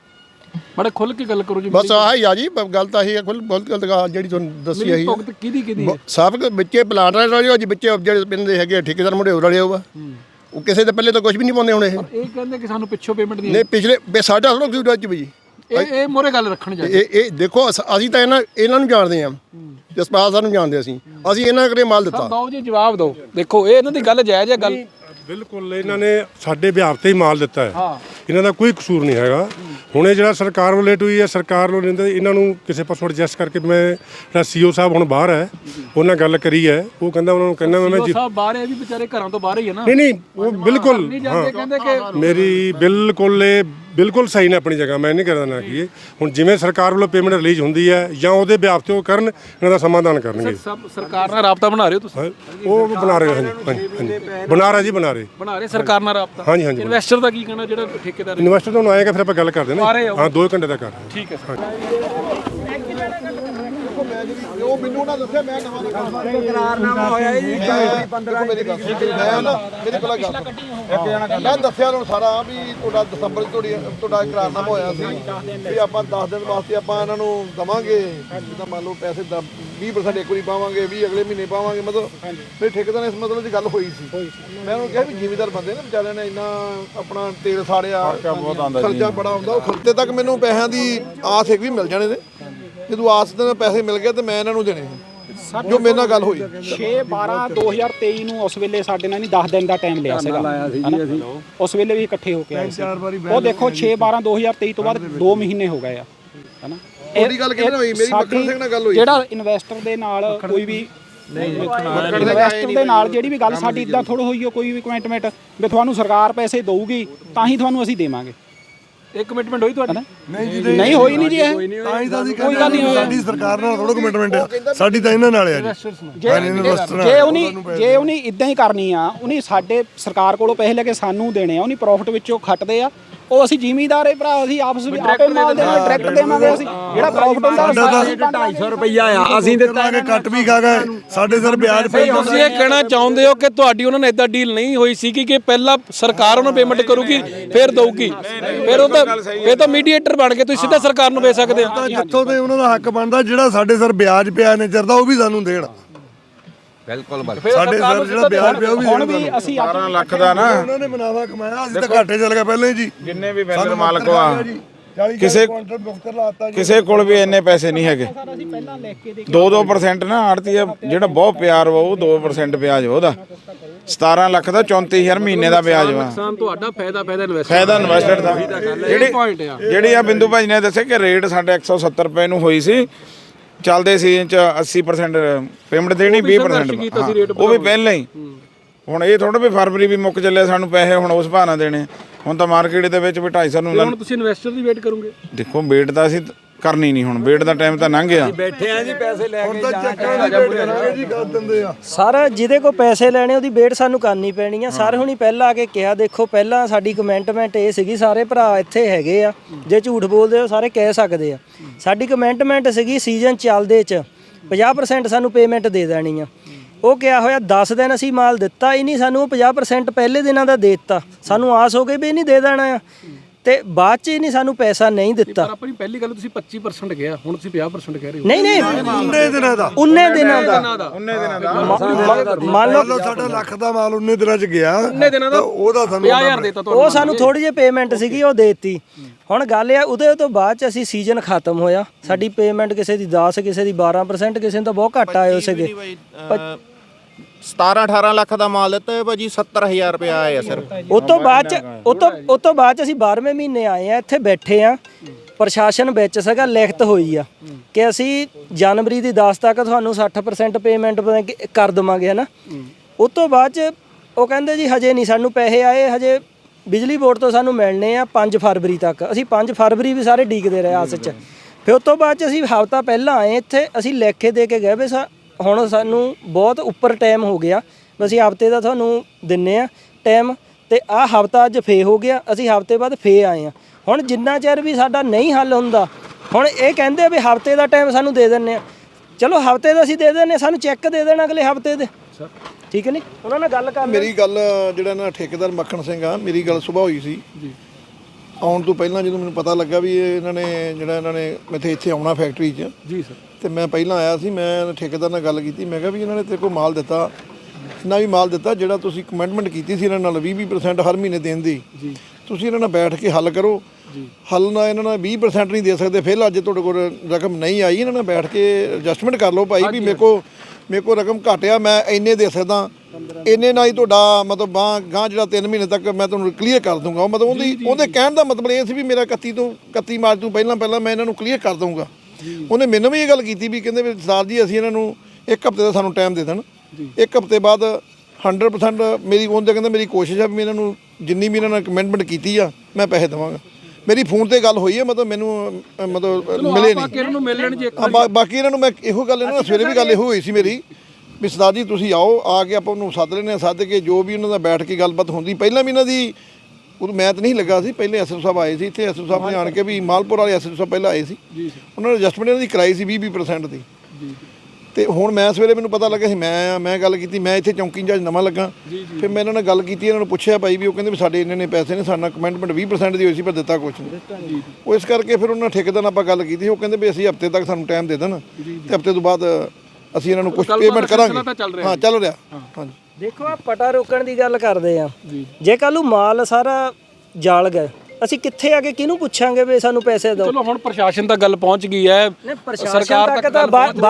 [SPEAKER 2] ਬੜੇ ਖੁੱਲ ਕੇ ਗੱਲ ਕਰੋ ਜੀ।
[SPEAKER 5] ਬਸ ਆਹ ਹੀ ਆ ਜੀ ਗੱਲ ਤਾਂ ਇਹੀ ਹੈ ਬਹੁਤ ਗਲਤ ਗੱਲ ਜਿਹੜੀ ਤੁਹਾਨੂੰ ਦੱਸੀ ਆਹੀ
[SPEAKER 2] ਭੁਗਤ ਕਿਹਦੀ ਹੈ?
[SPEAKER 5] ਸਭ ਵਿੱਚੇ ਪਲਾਟ ਵਾਲੇ ਜੀ ਵਿੱਚੇ ਜਿਹੜੇ ਪਿੰਡ ਦੇ ਹੈਗੇ ਠੇਕੇਦਾਰ ਮੁੰਡੇ ਹੋਰ ਵਾਲੇ ਹੋਗਾ ਉਹ ਕਿਸੇ ਦੇ ਪਹਿਲੇ ਤਾਂ ਕੁਝ ਵੀ ਨਹੀਂ ਪਾਉਂਦੇ ਹੁਣ ਇਹ
[SPEAKER 2] ਕਹਿੰਦੇ ਕਿ ਸਾਨੂੰ ਪਿੱਛੋਂ ਪੇਮੈਂਟ
[SPEAKER 5] ਨਹੀਂ ਪਿਛਲੇ ਸਾਡਾ ਥੋੜਾ ਕਸੂਰ ਅੱਜ ਵੀ
[SPEAKER 2] ਇਹ ਮੋਰੇ ਗੱਲ ਰੱਖਣ ਜਾ
[SPEAKER 5] ਇਹ ਦੇਖੋ ਅਸੀਂ ਤਾਂ ਇਹਨਾਂ ਨੂੰ ਜਾਣਦੇ ਹਾਂ ਜਸਪਾਲ ਸਾਹਿਬ ਨੂੰ ਜਾਣਦੇ ਅਸੀਂ ਇਹਨਾਂ ਕਰੇ ਮਾਲ ਦਿੱਤਾ।
[SPEAKER 2] ਬਾਬੂ ਜੀ ਜਵਾਬ ਦਿਓ। ਦੇਖੋ ਇਹ ਇਹਨਾਂ ਦੀ ਗੱਲ ਜਾਇਜ਼ ਹੈ ਗੱਲ।
[SPEAKER 10] ਬਿਲਕੁਲ ਇਹਨਾਂ ਨੇ ਸਾਡੇ ਵਿਭਾਗ ਤੇ ਹੀ ਮਾਲ ਦਿੱਤਾ ਹੈ, ਇਹਨਾਂ ਦਾ ਕੋਈ ਕਸੂਰ ਨਹੀਂ ਹੈਗਾ। ਹੁਣ ਇਹ ਜਿਹੜਾ ਸਰਕਾਰ ਵੱਲੋਂ ਲੇਟ ਹੋਈ ਹੈ, ਸਰਕਾਰ ਵੱਲੋਂ ਲੈਂਦੇ ਇਹਨਾਂ ਨੂੰ ਕਿਸੇ ਪਾਸੋਂ ਐਡਜਸਟ ਕਰਕੇ ਮੈਂ ਜਿਹੜਾ ਸੀਓ ਸਾਹਿਬ ਹੁਣ ਬਾਹਰ ਹੈ ਉਹਨਾਂ ਗੱਲ ਕਰੀ ਹੈ, ਉਹ ਕਹਿੰਦਾ ਉਹਨਾਂ ਨੂੰ ਕਹਿੰਦਾ ਮੈਂ
[SPEAKER 2] ਸੀਓ ਸਾਹਿਬ ਬਾਹਰ ਹੈ ਵੀ ਵਿਚਾਰੇ ਘਰਾਂ ਤੋਂ ਬਾਹਰ ਹੀ ਹੈ ਨਾ।
[SPEAKER 10] ਨਹੀਂ ਉਹ ਬਿਲਕੁਲ
[SPEAKER 2] ਕਹਿੰਦੇ ਕਿ
[SPEAKER 10] ਮੇਰੀ ਬਿਲਕੁਲ ਸਹੀ ਨੇ ਆਪਣੀ ਜਗ੍ਹਾ, ਮੈਂ ਨਹੀਂ ਕਰਦਾ ਨਾ ਕਿ ਹੁਣ ਜਿਵੇਂ ਸਰਕਾਰ ਵੱਲੋਂ ਪੇਮੈਂਟ ਰਿਲੀਜ਼ ਹੁੰਦੀ ਹੈ ਜਾਂ ਉਹਦੇ ਵਿਆਪ ਤੇ ਉਹ ਕਰਨ, ਇਹਨਾਂ ਦਾ ਸਮਾਧਾਨ ਕਰਨਗੇ।
[SPEAKER 2] ਸਰਕਾਰ ਨਾਲ ਰਾਬਤਾ ਬਣਾ ਰਹੇ ਹੋ ਤੁਸੀਂ?
[SPEAKER 10] ਉਹ ਬਣਾ ਰਹੇ ਹਾਂਜੀ ਬਣਾ ਰਹੇ ਜੀ ਬਣਾ ਰਹੇ
[SPEAKER 2] ਸਰਕਾਰ ਨਾਲ ਰਾਬਤਾ।
[SPEAKER 10] ਹਾਂਜੀ
[SPEAKER 2] ਇਨਵੈਸਟਰ ਦਾ ਕੀ ਕਹਿਣਾ ਜਿਹੜਾ ਠੇਕੇਦਾਰ
[SPEAKER 10] ਇਨਵੈਸਟਰ ਤੁਹਾਨੂੰ ਆਏਗਾ ਫਿਰ ਆਪਾਂ ਗੱਲ ਕਰਦੇ ਨਾ। ਹਾਂ 2 ਘੰਟੇ ਦਾ ਕਰ
[SPEAKER 2] ਠੀਕ ਹੈ।
[SPEAKER 8] ਉਹ ਮੈਨੂੰ ਨਾ ਦੱਸਿਆ ਮੈਂ ਨਵਾਂ ਇਕਰਾਰਨਾਮਾ ਹੋਇਆ ਜੀ 15 ਮੇਰੀ ਗੱਲ ਮੈਂ ਨਾ ਮੇਰੀ ਪਹਿਲਾਂ ਗੱਲ ਮੈਂ ਦੱਸਿਆ ਉਹਨੂੰ ਸਾਰਾ ਵੀ ਤੁਹਾਡਾ ਦਸੰਬਰ ਤੁਹਾਡਾ ਇਕਰਾਰਨਾਮਾ ਹੋਇਆ ਸੀ ਵੀ ਆਪਾਂ 10 ਦਿਨ ਵਾਸਤੇ ਆਪਾਂ ਇਹਨਾਂ ਨੂੰ ਦਵਾਂਗੇ ਜਿੱਦਾਂ ਮੰਨ ਲਓ ਪੈਸੇ 20% ਇੱਕ ਵਾਰੀ ਪਾਵਾਂਗੇ 20 ਅਗਲੇ ਮਹੀਨੇ ਪਾਵਾਂਗੇ ਮਤਲਬ ਮੇਰੇ ਠੇਕੇਦਾਰ ਨੇ ਇਸ ਮਤਲਬ ਦੀ ਗੱਲ ਹੋਈ ਸੀ। ਮੈਂ ਉਹਨੂੰ ਕਿਹਾ ਵੀ ਜ਼ਿਮੀਦਾਰ ਬੰਦੇ ਨੇ ਵਿਚਾਰਿਆਂ ਨੇ ਇੰਨਾ ਆਪਣਾ ਤੇਲ ਸਾੜਿਆ ਖਰਚਾ ਬੜਾ ਆਉਂਦਾ ਉਹ ਖਰਚੇ ਤੱਕ ਮੈਨੂੰ ਪੈਸਿਆਂ ਦੀ ਆਸ ਇੱਕ ਵੀ ਮਿਲ ਜਾਣੇ ਨੇ ਜਦੋਂ ਆਸ ਦੇ ਪੈਸੇ ਮਿਲ ਗਏ ਤੇ ਮੈਂ ਇਹਨਾਂ ਨੂੰ ਦੇਣੇ ਜੋ ਮੇਰੇ ਨਾਲ ਗੱਲ ਹੋਈ
[SPEAKER 9] 6/12/2023 ਨੂੰ ਉਸ ਵੇਲੇ ਸਾਡੇ ਨਾਲ ਨਹੀਂ 10 ਦਿਨ ਦਾ ਟਾਈਮ ਲਿਆ ਸੀਗਾ ਉਸ ਵੇਲੇ ਵੀ ਇਕੱਠੇ ਹੋ ਕੇ ਆਏ ਸੀ। ਉਹ ਦੇਖੋ 6/12/2023 ਤੋਂ ਬਾਅਦ 2 ਮਹੀਨੇ ਹੋ ਗਏ ਆ ਹਨਾ।
[SPEAKER 8] ਉਹਦੀ ਗੱਲ ਕਿਹਦੇ ਨਾਲ ਹੋਈ? ਮੇਰੀ ਮੱਖਣ ਸਿੰਘ ਨਾਲ ਗੱਲ ਹੋਈ।
[SPEAKER 9] ਜਿਹੜਾ ਇਨਵੈਸਟਰ ਦੇ ਨਾਲ ਕੋਈ ਵੀ ਇਨਵੈਸਟਰ ਦੇ ਨਾਲ ਜਿਹੜੀ ਵੀ ਗੱਲ ਸਾਡੀ ਇਦਾਂ ਥੋੜ੍ਹਾ ਹੋਈ ਹੋ ਕੋਈ ਵੀ ਕਮਿਟਮੈਂਟ ਵੀ ਤੁਹਾਨੂੰ ਸਰਕਾਰ ਪੈਸੇ ਦਊਗੀ ਤਾਂ ਹੀ ਤੁਹਾਨੂੰ ਅਸੀਂ ਦੇਵਾਂਗੇ।
[SPEAKER 2] ਇਹ ਕਮਿਟਮੈਂਟ ਹੋਈ ਤੁਹਾਡੀ?
[SPEAKER 9] ਨਹੀਂ ਹੋਈ ਨਹੀਂ ਜੀ ਇਹ
[SPEAKER 6] ਤਾਂ ਹੀ ਤਾਂ ਅਸੀਂ ਕੋਈ ਗੱਲ ਨਹੀਂ ਸਾਡੀ ਸਰਕਾਰ ਨਾਲ ਥੋੜਾ ਕਮਿਟਮੈਂਟ ਹੈ, ਸਾਡੀ ਤਾਂ ਇਹਨਾਂ ਨਾਲ ਹੈ ਜੀ।
[SPEAKER 9] ਜੇ ਉਹਨੇ ਇਦਾਂ ਹੀ ਕਰਨੀ ਆ ਉਹਨੇ ਸਾਡੇ ਸਰਕਾਰ ਕੋਲੋਂ ਪੈਸੇ ਲੈ ਕੇ ਸਾਨੂੰ ਦੇਣੇ ਆ ਉਹਨੇ ਪ੍ਰੋਫਿਟ ਵਿੱਚੋਂ ਖੱਟਦੇ ਆ ਉਹ ਅਸੀਂ ਜ਼ਿਮੀਦਾਰ ਹੈ ਭਰਾ ਅਸੀਂ ਆਪਸ ਵਿੱਚ ਆਪੇ ਮਾਲ ਦੇਣਾ ਡਾਇਰੈਕਟ ਦੇਵਾਂਗੇ ਅਸੀਂ ਜਿਹੜਾ ਪ੍ਰੋਫਿਟ ਹੁੰਦਾ
[SPEAKER 7] 250 ਰੁਪਈਆ ਆ ਅਸੀਂ ਦਿੱਤਾ
[SPEAKER 6] ਕਿ ਕੱਟ ਵੀ ਖਾ ਗਏ ਸਾਡੇ ਸਰ ਵਿਆਜ ਪਈ।
[SPEAKER 2] ਤੁਸੀਂ ਇਹ ਕਹਿਣਾ ਚਾਹੁੰਦੇ ਹੋ ਕਿ ਤੁਹਾਡੀ ਉਹਨਾਂ ਨਾਲ ਇਦਾਂ ਡੀਲ ਨਹੀਂ ਹੋਈ ਸੀ ਕਿ ਪਹਿਲਾਂ ਸਰਕਾਰ ਉਹਨਾਂ ਪੇਮੈਂਟ ਕਰੂਗੀ ਫਿਰ ਦਊਗੀ ਫਿਰ ਤਾਂ ਮੀਡੀਏਟਰ ਬਣ ਕੇ ਤੁਸੀਂ ਸਿੱਧਾ ਸਰਕਾਰ ਨੂੰ ਵੇਚ ਸਕਦੇ ਹੋ?
[SPEAKER 6] ਜਿੱਥੋਂ ਤੇ ਉਹਨਾਂ ਦਾ ਹੱਕ ਬਣਦਾ ਜਿਹੜਾ ਸਾਡੇ ਸਰ ਵਿਆਜ ਪਿਆ ਨੇ ਚਿਰ ਦਾ ਉਹ ਵੀ ਸਾਨੂੰ ਦੇਣ।
[SPEAKER 7] ਬਿਲਕੁਲ
[SPEAKER 6] ਸਾਡੇ ਸਰ ਜਿਹੜਾ ਵਿਆਜ ਪਿਆ ਉਹ ਵੀ
[SPEAKER 9] ਹੁਣ ਵੀ ਅਸੀਂ
[SPEAKER 3] 12 ਲੱਖ ਦਾ ਨਾ
[SPEAKER 6] ਉਹਨਾਂ ਨੇ ਮੁਨਾਫਾ ਕਮਾਇਆ ਅਸੀਂ ਤਾਂ ਘਾਟੇ ਚੱਲ ਗਏ ਪਹਿਲੇ ਜੀ।
[SPEAKER 3] ਜਿੰਨੇ ਵੀ ਵੈਲਰ ਮਾਲਕ ਆ ਕਿਸੇ ਕੋਲ ਵੀ ਇੰਨੇ ਪੈਸੇ ਨਹੀਂ ਹੈਗੇ। 2% ਨਾ ਆੜਤੀਆ ਜਿਹੜਾ ਬਹੁਤ ਪਿਆਰ ਵਾ ਉਹ 2% ਵਿਆਜ ਉਹਦਾ 17 ਲੱਖ ਦਾ 34,000 ਮਹੀਨੇ ਦਾ ਵਿਆਜ ਵਾ।
[SPEAKER 2] ਨੁਕਸਾਨ ਤੁਹਾਡਾ ਫਾਇਦਾ
[SPEAKER 3] ਇਨਵੈਸਟਰ ਦਾ। ਜਿਹੜੀ ਆ ਬਿੰਦੂ ਭਾਈ ਨੇ ਦੱਸਿਆ ਕਿ ਰੇਟ ਸਾਡੇ 170 ਰੁਪਏ ਨੂੰ ਹੋਈ ਸੀ ਚੱਲਦੇ ਸੀਜ਼ਨ ਚ 80% ਪੇਮੈਂਟ ਦੇਣੀ 20% ਉਹ ਵੀ ਪਹਿਲਾਂ ਹੀ। ਹੁਣ ਇਹ ਥੋੜਾ ਵੀ ਫਰਵਰੀ ਵੀ ਮੁੱਕ ਚੱਲਿਆ ਸਾਨੂੰ ਪੈਸੇ ਹੁਣ ਉਸ ਭਾਅ ਨਾਲ ਦੇਣੇ। ਹੁਣ ਤਾਂ ਮਾਰਕੀਟ ਦੇ ਵਿੱਚ ਵੀ 250 ਨੂੰ
[SPEAKER 2] ਹੁਣ ਤੁਸੀਂ ਇਨਵੈਸਟਰ ਦੀ ਵੇਟ ਕਰੋਗੇ?
[SPEAKER 3] ਦੇਖੋ ਵੇਟ ਤਾਂ ਅਸੀਂ ਕਰਨੀ ਨਹੀਂ, ਹੁਣ ਵੇਟ ਦਾ ਟਾਈਮ ਤਾਂ ਲੰਘ ਗਿਆ।
[SPEAKER 7] ਬੈਠੇ ਆ ਜੀ ਪੈਸੇ ਲੈ ਕੇ
[SPEAKER 6] ਜੀ ਕਰ ਦਿੰਦੇ ਆ
[SPEAKER 4] ਸਰ ਜਿਹਦੇ ਕੋਲ ਪੈਸੇ ਲੈਣੇ ਉਹਦੀ ਵੇਟ ਸਾਨੂੰ ਕਰਨੀ ਪੈਣੀ ਆ। ਸਰ ਹੁਣੀ ਪਹਿਲਾਂ ਆ ਕੇ ਕਿਹਾ ਦੇਖੋ ਪਹਿਲਾਂ ਸਾਡੀ ਕਮੈਂਟਮੈਂਟ ਇਹ ਸੀਗੀ ਸਾਰੇ ਭਰਾ ਇੱਥੇ ਹੈਗੇ ਆ ਜੇ ਝੂਠ ਬੋਲਦੇ ਹੋ ਸਾਰੇ ਕਹਿ ਸਕਦੇ ਆ। ਸਾਡੀ ਕਮੈਂਟਮੈਂਟ ਸੀਗੀ ਸੀਜ਼ਨ ਚੱਲਦੇ 'ਚ 50% ਸਾਨੂੰ ਪੇਮੈਂਟ ਦੇ ਦੇਣੀ ਆ। ਉਹ ਕਿਹਾ ਹੋਇਆ 10 ਦਿਨ ਅਸੀਂ ਮਾਲ ਦਿੱਤਾ ਹੀ ਨਹੀਂ ਸਾਨੂੰ ਉਹ 50% ਪਹਿਲੇ ਦਿਨਾਂ ਦਾ ਦੇ ਦਿੱਤਾ। ਸਾਨੂੰ ਆਸ ਹੋ ਗਈ ਵੀ ਇਹ ਨਹੀਂ ਦੇ ਦੇਣਾ ਆ ਤੇ ਬਾਅਦ 'ਚ ਹੀ ਨਹੀਂ ਸਾਨੂੰ ਪੈਸਾ ਨਹੀਂ ਦਿੱਤਾ।
[SPEAKER 2] ਪਰ ਆਪਣੀ ਪਹਿਲੀ ਗੱਲ ਤੁਸੀਂ 25% ਗਿਆ ਹੁਣ ਤੁਸੀਂ 50% ਕਹਿ ਰਹੇ ਹੋ।
[SPEAKER 4] ਨਹੀਂ
[SPEAKER 6] 19 ਦਿਨਾਂ ਦਾ
[SPEAKER 4] ਮੰਨ ਲਓ
[SPEAKER 6] ਸਾਡਾ ਲੱਖ ਦਾ ਮਾਲ 19 ਦਿਨਾਂ 'ਚ ਗਿਆ
[SPEAKER 2] ਦਿਨਾਂ ਦਾ
[SPEAKER 6] ਉਹਦਾ ਸਾਨੂੰ
[SPEAKER 2] 50,000 ਦੇਤਾ ਤੁਹਾਨੂੰ।
[SPEAKER 4] ਉਹ ਸਾਨੂੰ ਥੋੜੀ ਜਿਹੀ ਪੇਮੈਂਟ ਸੀਗੀ ਉਹ ਦੇਤੀ। ਹੁਣ ਗੱਲ ਇਹ ਉਹਦੇ ਤੋਂ ਬਾਅਦ 'ਚ ਅਸੀਂ ਸੀਜ਼ਨ ਖਤਮ ਹੋਇਆ ਸਾਡੀ ਪੇਮੈਂਟ ਕਿਸੇ ਦੀ 10 ਕਿਸੇ ਦੀ 12% ਕਿਸੇ ਨੂੰ ਤਾਂ ਬਹੁਤ ਘੱਟ ਆਏ ਸੀਗੇ।
[SPEAKER 11] 17-18 ਲੱਖ ਦਾ ਮਾਲ ਦਿੱਤਾ ਭਾਜੀ 70,000 ਰੁਪਏ ਆਏ ਆ ਸਿਰਫ।
[SPEAKER 4] ਉਸ ਤੋਂ ਬਾਅਦ 'ਚ ਅਸੀਂ 12ਵੇਂ ਮਹੀਨੇ ਆਏ ਆ ਇੱਥੇ ਬੈਠੇ ਆ ਪ੍ਰਸ਼ਾਸਨ ਵਿੱਚ ਸੀਗਾ ਲਿਖਤ ਹੋਈ ਆ ਕਿ ਅਸੀਂ ਜਨਵਰੀ ਦੀ 10 ਤੱਕ ਤੁਹਾਨੂੰ 60% ਪੇਮੈਂਟ ਕਰ ਦੇਵਾਂਗੇ ਹਨਾ। ਉਸ ਤੋਂ ਬਾਅਦ 'ਚ ਉਹ ਕਹਿੰਦੇ ਜੀ ਹਜੇ ਨਹੀਂ ਸਾਨੂੰ ਪੈਸੇ ਆਏ ਹਜੇ ਬਿਜਲੀ ਬੋਰਡ ਤੋਂ ਸਾਨੂੰ ਮਿਲਣੇ ਆ 5 ਫਰਵਰੀ ਤੱਕ। ਅਸੀਂ 5 ਫਰਵਰੀ ਵੀ ਸਾਰੇ ਡੀਕਦੇ ਰਹੇ ਆਸ 'ਚ। ਫਿਰ ਉਸ ਤੋਂ ਬਾਅਦ 'ਚ ਅਸੀਂ ਹਫ਼ਤਾ ਪਹਿਲਾਂ ਆਏ ਇੱਥੇ ਅਸੀਂ ਲਿਖ ਕੇ ਦੇ ਕੇ ਗਏ ਵੀ ਹੁਣ ਸਾਨੂੰ ਬਹੁਤ ਉੱਪਰ ਟਾਈਮ ਹੋ ਗਿਆ ਅਸੀਂ ਹਫ਼ਤੇ ਦਾ ਤੁਹਾਨੂੰ ਦਿੰਨੇ ਆ ਟਾਈਮ ਤੇ ਆਹ ਹਫ਼ਤਾ ਅੱਜ ਫੇ ਹੋ ਗਿਆ ਅਸੀਂ ਹਫ਼ਤੇ ਬਾਅਦ ਫੇ ਆਏ ਆ। ਹੁਣ ਜਿੰਨਾ ਚਿਰ ਵੀ ਸਾਡਾ ਨਹੀਂ ਹੱਲ ਹੁੰਦਾ ਹੁਣ ਇਹ ਕਹਿੰਦੇ ਵੀ ਹਫ਼ਤੇ ਦਾ ਟਾਈਮ ਸਾਨੂੰ ਦੇ ਦਿੰਨੇ ਆ। ਚਲੋ ਹਫ਼ਤੇ ਦਾ ਅਸੀਂ ਦੇ ਦਿੰਨੇ ਸਾਨੂੰ ਚੈੱਕ ਦੇ ਦੇਣਾ ਅਗਲੇ ਹਫ਼ਤੇ ਦੇ ਠੀਕ ਹੈ ਨਹੀਂ। ਉਹਨਾਂ ਨਾਲ ਗੱਲ ਕਰ
[SPEAKER 8] ਮੇਰੀ ਗੱਲ ਜਿਹੜਾ ਨਾ ਠੇਕੇਦਾਰ ਮੱਖਣ ਸਿੰਘ ਆ ਮੇਰੀ ਗੱਲ ਸੁਬਾਹ ਹੋਈ ਸੀ ਆਉਣ ਤੋਂ ਪਹਿਲਾਂ ਜਦੋਂ ਮੈਨੂੰ ਪਤਾ ਲੱਗਾ ਵੀ ਇਹਨਾਂ ਨੇ ਇੱਥੇ ਆਉਣਾ ਫੈਕਟਰੀ 'ਚ
[SPEAKER 2] ਜੀ ਸਰ,
[SPEAKER 8] ਤੇ ਮੈਂ ਪਹਿਲਾਂ ਆਇਆ ਸੀ। ਮੈਂ ਠੇਕੇਦਾਰ ਨਾਲ ਗੱਲ ਕੀਤੀ। ਮੈਂ ਕਿਹਾ ਵੀ ਇਹਨਾਂ ਨੇ ਤੇਰੇ ਕੋਲ ਮਾਲ ਦਿੱਤਾ, ਇੰਨਾ ਵੀ ਮਾਲ ਦਿੱਤਾ ਜਿਹੜਾ ਤੁਸੀਂ ਕਮਿਟਮੈਂਟ ਕੀਤੀ ਸੀ ਇਹਨਾਂ ਨਾਲ 20% ਹਰ ਮਹੀਨੇ ਦੇਣ ਦੀ, ਤੁਸੀਂ ਇਹਨਾਂ ਨਾਲ ਬੈਠ ਕੇ ਹੱਲ ਕਰੋ। ਹੱਲ ਨਾ ਇਹਨਾਂ ਨਾਲ 20% ਨਹੀਂ ਦੇ ਸਕਦੇ, ਫਿਰ ਅੱਜ ਤੁਹਾਡੇ ਕੋਲ ਰਕਮ ਨਹੀਂ ਆਈ, ਇਹਨਾਂ ਨਾਲ ਬੈਠ ਕੇ ਐਡਜਸਟਮੈਂਟ ਕਰ ਲਓ ਭਾਈ ਵੀ ਮੇਰੇ ਕੋਲ ਰਕਮ ਘਟਿਆ, ਮੈਂ ਇੰਨੇ ਦੇ ਸਕਦਾ, ਇੰਨੇ ਨਾਲ ਹੀ ਤੁਹਾਡਾ ਮਤਲਬ ਗਾਂ ਜਿਹੜਾ 3 ਮਹੀਨੇ ਤੱਕ ਮੈਂ ਤੁਹਾਨੂੰ ਕਲੀਅਰ ਕਰ ਦੂੰਗਾ। ਮਤਲਬ ਉਹਦੇ ਕਹਿਣ ਦਾ ਮਤਲਬ ਇਹ ਸੀ ਵੀ ਮੇਰਾ 31 ਮਾਰਚ ਤੋਂ ਪਹਿਲਾਂ ਮੈਂ ਇਹਨਾਂ ਨੂੰ ਕਲੀਅਰ ਕਰ ਦੂੰਗਾ। ਉਹਨੇ ਮੈਨੂੰ ਵੀ ਇਹ ਗੱਲ ਕੀਤੀ ਵੀ ਕਹਿੰਦੇ ਵੀ ਸਰਦਾਰ ਜੀ ਅਸੀਂ ਇਹਨਾਂ ਨੂੰ 1 ਹਫ਼ਤੇ ਦਾ ਸਾਨੂੰ ਟਾਈਮ ਦੇ ਦੇਣ, 1 ਹਫ਼ਤੇ ਬਾਅਦ 100% ਮੇਰੀ ਉਹਦੇ ਕਹਿੰਦਾ ਮੇਰੀ ਕੋਸ਼ਿਸ਼ ਆ ਵੀ ਇਹਨਾਂ ਨੂੰ ਜਿੰਨੀ ਵੀ ਇਹਨਾਂ ਨੇ ਕਮਿਟਮੈਂਟ ਕੀਤੀ ਆ ਮੈਂ ਪੈਸੇ ਦੇਵਾਂਗਾ। ਮੇਰੀ ਫੋਨ ਤੇ ਗੱਲ ਹੋਈ ਹੈ, ਮਤਲਬ ਮੈਨੂੰ ਮਿਲੇ ਨਹੀਂ। ਬਾਕੀ ਇਹਨਾਂ ਨੂੰ ਮੈਂ ਇਹੋ ਗੱਲ ਇਹਨਾਂ ਨਾਲ ਸਵੇਰੇ ਵੀ ਗੱਲ ਇਹੋ ਹੋਈ ਸੀ ਮੇਰੀ ਵੀ ਸਰਦਾਰ ਜੀ ਤੁਸੀਂ ਆਓ, ਆ ਕੇ ਆਪਾਂ ਉਹਨੂੰ ਸੱਦ ਲੈਂਦੇ ਹਾਂ, ਸੱਦ ਕੇ ਜੋ ਵੀ ਉਹਨਾਂ ਦਾ ਬੈਠ ਕੇ ਗੱਲਬਾਤ ਹੁੰਦੀ। ਪਹਿਲਾਂ ਵੀ ਇਹਨਾਂ ਦੀ ਉਦੋਂ ਮੈਂ ਤਾਂ ਨਹੀਂ ਲੱਗਾ ਸੀ, ਪਹਿਲੇ ਐਸਐਸਓ ਸਾਹਿਬ ਆਏ ਸੀ ਇੱਥੇ, ਐਸਐਸਓ ਸਾਹਿਬ ਨੇ ਆਣ ਕੇ ਵੀ ਮਾਲਪੁਰ ਵਾਲੇ ਐਸਐਸਓ ਸਾਹਿਬ ਪਹਿਲਾਂ ਆਏ ਸੀ, ਉਹਨਾਂ ਨੇ ਐਡਜਸਟਮੈਂਟ ਇਹਨਾਂ ਦੀ ਕਰਾਈ ਸੀ 20% ਦੀ। ਤੇ ਹੁਣ ਮੈਂ ਸਵੇਰੇ ਮੈਨੂੰ ਪਤਾ ਲੱਗਾ ਸੀ, ਮੈਂ ਗੱਲ ਕੀਤੀ, ਮੈਂ ਇੱਥੇ ਚੌਂਕੀ ਇੰਚਾਰਜ ਨਵਾਂ ਲੱਗਾ, ਫਿਰ ਮੈਂ ਇਹਨਾਂ ਨਾਲ ਗੱਲ ਕੀਤੀ, ਇਹਨਾਂ ਨੂੰ ਪੁੱਛਿਆ ਭਾਈ ਵੀ ਉਹ ਕਹਿੰਦੇ ਵੀ ਸਾਡੇ ਇੰਨੇ ਪੈਸੇ ਨੇ, ਸਾਡਾ ਕਮਿਟਮੈਂਟ 20% ਦੀ ਹੋਈ ਸੀ ਪਰ ਦਿੱਤਾ ਕੁਛ ਨਹੀਂ। ਉਹ ਇਸ ਕਰਕੇ ਫਿਰ ਉਹਨਾਂ ਠੇਕੇਦਾਰ ਨਾਲ ਆਪਾਂ ਗੱਲ ਕੀਤੀ, ਉਹ ਕਹਿੰਦੇ ਵੀ ਅਸੀਂ ਹਫ਼ਤੇ ਤੱਕ ਸਾਨੂੰ ਟਾਈਮ ਦੇ ਦੇਣ ਤੇ ਹਫ਼ਤੇ ਤੋਂ ਬਾਅਦ ਅਸੀਂ ਇਹਨਾਂ ਨੂੰ ਕੁਝ ਪੇਮੈਂਟ ਕਰਾਂਗੇ। ਹਾਂ ਚੱਲ ਰਿਹਾ। ਹਾਂਜੀ
[SPEAKER 4] ਦੇਖੋ ਆ ਪਟਾ ਰੋਕਣ ਦੀ ਗੱਲ ਕਰਦੇ ਆ, ਜੇ ਕੱਲ ਨੂੰ ਮਾਲ ਸਾਰਾ ਜਾਲ ਗਿਆ ਅਸੀਂ ਕਿੱਥੇ ਆ ਕੇ ਕਿਹਨੂੰ ਪੁੱਛਾਂਗੇ ਵੀ ਸਾਨੂੰ ਪੈਸੇ ਦਿਓ।
[SPEAKER 2] ਚਲੋ ਹੁਣ ਪ੍ਰਸ਼ਾਸਨ ਤੱਕ ਗੱਲ ਪਹੁੰਚ ਗਈ ਹੈ,
[SPEAKER 4] ਸਰਕਾਰ ਤੱਕ ਤਾਂ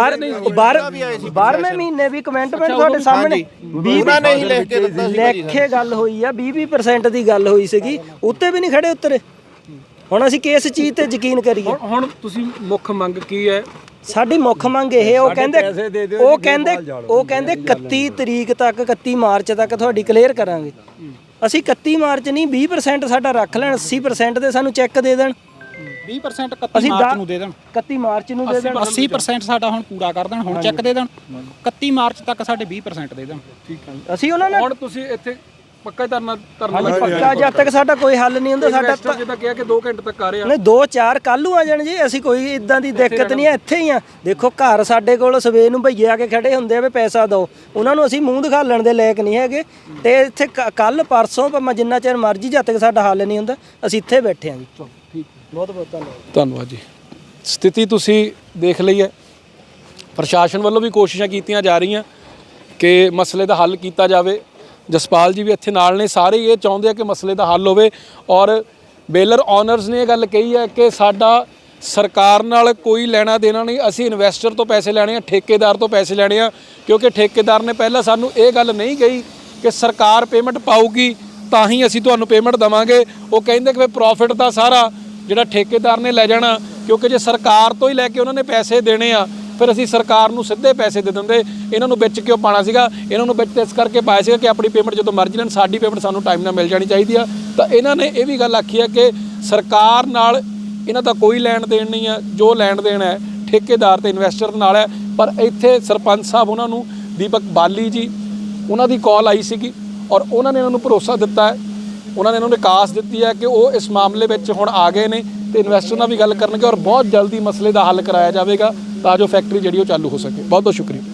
[SPEAKER 4] 12ਵੇਂ ਮਹੀਨੇ ਵੀ ਕਮੈਂਟਮੈਂਟ ਤੁਹਾਡੇ ਸਾਹਮਣੇ 20
[SPEAKER 11] ਨਹੀਂ ਲਿਖ ਕੇ ਦਿੱਤਾ ਸੀ,
[SPEAKER 4] ਲਿਖ ਕੇ ਗੱਲ ਹੋਈ ਆ, 20% ਦੀ ਗੱਲ ਹੋਈ ਸੀਗੀ, ਉੱਤੇ ਵੀ ਨਹੀਂ ਖੜੇ ਉਤਰੇ। ਹੁਣ ਅਸੀਂ ਕਿਸ ਚੀਜ਼ ਤੇ ਯਕੀਨ ਕਰੀਏ?
[SPEAKER 2] ਹੁਣ ਤੁਸੀਂ ਮੁੱਖ ਮੰਗ ਕੀ ਹੈ?
[SPEAKER 4] ਸਾਡੀ ਮੁੱਖ ਮੰਗ ਇਹ ਉਹ ਕਹਿੰਦੇ 31 ਤਰੀਕ ਤੱਕ 31 ਮਾਰਚ ਤੱਕ ਤੁਹਾਡੀ ਕਲੀਅਰ ਕਰਾਂਗੇ। ਅਸੀਂ 31 ਮਾਰਚ ਨਹੀਂ 20% ਸਾਡਾ ਰੱਖ ਲੈਣ, 80% ਦੇ ਸਾਨੂੰ ਚੈੱਕ ਦੇ ਦੇਣ,
[SPEAKER 9] 20% 31 ਮਾਰਚ ਨੂੰ ਦੇ ਦੇਣ,
[SPEAKER 4] 31 ਮਾਰਚ ਨੂੰ ਦੇ ਦੇਣ,
[SPEAKER 9] 80% ਸਾਡਾ ਹੁਣ ਪੂਰਾ ਕਰ ਦੇਣ, ਹੁਣ ਚੈੱਕ ਦੇ ਦੇਣ, 31 ਮਾਰਚ ਤੱਕ ਸਾਡੇ 20% ਦੇ ਦੇਣ।
[SPEAKER 2] ਠੀਕ ਹੈ,
[SPEAKER 4] ਅਸੀਂ ਉਹਨਾਂ ਨਾਲ
[SPEAKER 2] ਹੁਣ ਤੁਸੀਂ ਇੱਥੇ ਪੱਕਾ ਧਰਨਾ
[SPEAKER 4] ਪੱਕਾ ਜਦ ਤੱਕ ਸਾਡਾ ਕੋਈ ਹੱਲ ਨਹੀਂ ਹੁੰਦਾ। ਸਾਡਾ
[SPEAKER 2] ਜਿੱਦਾਂ ਕਿਹਾ ਕਿ 2 ਘੰਟੇ ਤੱਕ ਆ ਰਹੇ ਆ,
[SPEAKER 4] ਨਹੀਂ 2-4 ਕੱਲ ਨੂੰ ਆ ਜਾਣ ਜੀ, ਅਸੀਂ ਕੋਈ ਇਦਾਂ ਦੀ ਦਿੱਕਤ ਨਹੀਂ ਹੈ, ਇੱਥੇ ਹੀ ਆ। ਦੇਖੋ ਘਰ ਸਾਡੇ ਕੋਲ ਸਵੇਰ ਨੂੰ ਭਈਏ ਆ ਕੇ ਖੜੇ ਹੁੰਦੇ ਆ ਵੀ ਪੈਸਾ ਦਿਓ, ਉਹਨਾਂ ਨੂੰ ਅਸੀਂ ਮੂੰਹ ਦਿਖਾਲਣ ਦੇ ਲਾਇਕ ਨਹੀਂ ਹੈਗੇ। ਤੇ ਇੱਥੇ ਕੱਲ ਪਰਸੋਂ ਭਾਵੇਂ ਜਿੰਨਾ ਚਿਰ ਮਰਜ਼ੀ ਜਦ ਤੱਕ ਸਾਡਾ ਹੱਲ ਨਹੀਂ ਹੁੰਦਾ ਅਸੀਂ ਇੱਥੇ ਬੈਠੇ ਆ ਜੀ।
[SPEAKER 2] ਠੀਕ,
[SPEAKER 4] ਬਹੁਤ ਬਹੁਤ ਧੰਨਵਾਦ।
[SPEAKER 2] ਧੰਨਵਾਦ ਜੀ। ਸਥਿਤੀ ਤੁਸੀਂ ਦੇਖ ਲਈ ਹੈ, ਪ੍ਰਸ਼ਾਸਨ ਵੱਲੋਂ ਵੀ ਕੋਸ਼ਿਸ਼ਾਂ ਕੀਤੀਆਂ ਜਾ ਰਹੀਆਂ ਕਿ ਮਸਲੇ ਦਾ ਹੱਲ ਕੀਤਾ ਜਾਵੇ। ਜਸਪਾਲ ਜੀ ਵੀ ਇੱਥੇ ਨਾਲ ਨੇ, ਸਾਰੇ ਇਹ ਚਾਹੁੰਦੇ ਆ ਕਿ ਮਸਲੇ ਦਾ ਹੱਲ ਹੋਵੇ। ਔਰ ਬੇਲਰ ਓਨਰਸ ਨੇ ਇਹ ਗੱਲ ਕਹੀ ਹੈ ਕਿ ਸਾਡਾ ਸਰਕਾਰ ਨਾਲ ਕੋਈ ਲੈਣਾ ਦੇਣਾ ਨਹੀਂ, ਅਸੀਂ ਇਨਵੈਸਟਰ ਤੋਂ ਪੈਸੇ ਲੈਣੇ ਆ, ਠੇਕੇਦਾਰ ਤੋਂ ਪੈਸੇ ਲੈਣੇ ਆ। ਕਿਉਂਕਿ ਠੇਕੇਦਾਰ ਨੇ ਪਹਿਲਾਂ ਸਾਨੂੰ ਇਹ ਗੱਲ ਨਹੀਂ ਕਹੀ ਕਿ ਸਰਕਾਰ ਪੇਮੈਂਟ ਪਾਊਗੀ ਤਾਂ ਹੀ ਅਸੀਂ ਤੁਹਾਨੂੰ ਪੇਮੈਂਟ ਦੇਵਾਂਗੇ। ਉਹ ਕਹਿੰਦੇ ਕਿ ਪ੍ਰੋਫਿਟ ਦਾ ਸਾਰਾ ਜਿਹੜਾ ਠੇਕੇਦਾਰ ਨੇ ਲੈ ਜਾਣਾ, ਕਿਉਂਕਿ ਜੇ ਸਰਕਾਰ ਤੋਂ ਹੀ ਲੈ ਕੇ ਉਹਨਾਂ ਨੇ ਪੈਸੇ ਦੇਣੇ ਆ ਫਿਰ ਅਸੀਂ ਸਰਕਾਰ ਨੂੰ ਸਿੱਧੇ ਪੈਸੇ ਦੇ ਦਿੰਦੇ। ਇਹਨਾਂ ਨੂੰ ਵਿੱਚ ਕਿਉਂ ਪਾਣਾ ਸੀਗਾ? ਇਹਨਾਂ ਨੂੰ ਵਿੱਚ ਇਸ ਕਰਕੇ ਪਾਇਆ ਸੀਗਾ ਕਿ ਆਪਣੀ ਪੇਮੈਂਟ ਜਦੋਂ ਮਰਜ਼ੀ ਲੈਣ, ਸਾਡੀ ਪੇਮੈਂਟ ਸਾਨੂੰ ਟਾਈਮ ਨਾਲ ਮਿਲ ਜਾਣੀ ਚਾਹੀਦੀ ਆ। ਤਾਂ ਇਹਨਾਂ ਨੇ ਇਹ ਵੀ ਗੱਲ ਆਖੀ ਹੈ ਕਿ ਸਰਕਾਰ ਨਾਲ ਇਹਨਾਂ ਦਾ ਕੋਈ ਲੈਣ ਦੇਣ ਨਹੀਂ ਆ, ਜੋ ਲੈਣ ਦੇਣ ਹੈ ਠੇਕੇਦਾਰ ਤੇ ਇਨਵੈਸਟਰ ਨਾਲ ਹੈ। ਪਰ ਇੱਥੇ ਸਰਪੰਚ ਸਾਹਿਬ ਉਹਨਾਂ ਨੂੰ ਦੀਪਕ ਬਾਲੀ ਜੀ ਉਹਨਾਂ ਦੀ ਕਾਲ ਆਈ ਸੀਗੀ ਔਰ ਉਹਨਾਂ ਨੇ ਇਹਨਾਂ ਨੂੰ ਭਰੋਸਾ ਦਿੱਤਾ ਹੈ, ਉਹਨਾਂ ਨੇ ਇਹਨਾਂ ਨੂੰ ਆਸ ਦਿੱਤੀ ਹੈ ਕਿ ਉਹ ਇਸ ਮਾਮਲੇ ਵਿੱਚ ਹੁਣ ਆ ਗਏ ਨੇ ਤੇ ਇਨਵੈਸਟਰ ਨਾਲ ਵੀ ਗੱਲ ਕਰਨਗੇ ਔਰ ਬਹੁਤ ਜਲਦੀ ਮਸਲੇ ਦਾ ਹੱਲ ਕਰਾਇਆ ਜਾਵੇਗਾ ਤਾਂ ਜੋ ਫੈਕਟਰੀ ਜਿਹੜੀ ਉਹ ਚਾਲੂ ਹੋ ਸਕੇ। ਬਹੁਤ ਬਹੁਤ ਸ਼ੁਕਰੀਆ।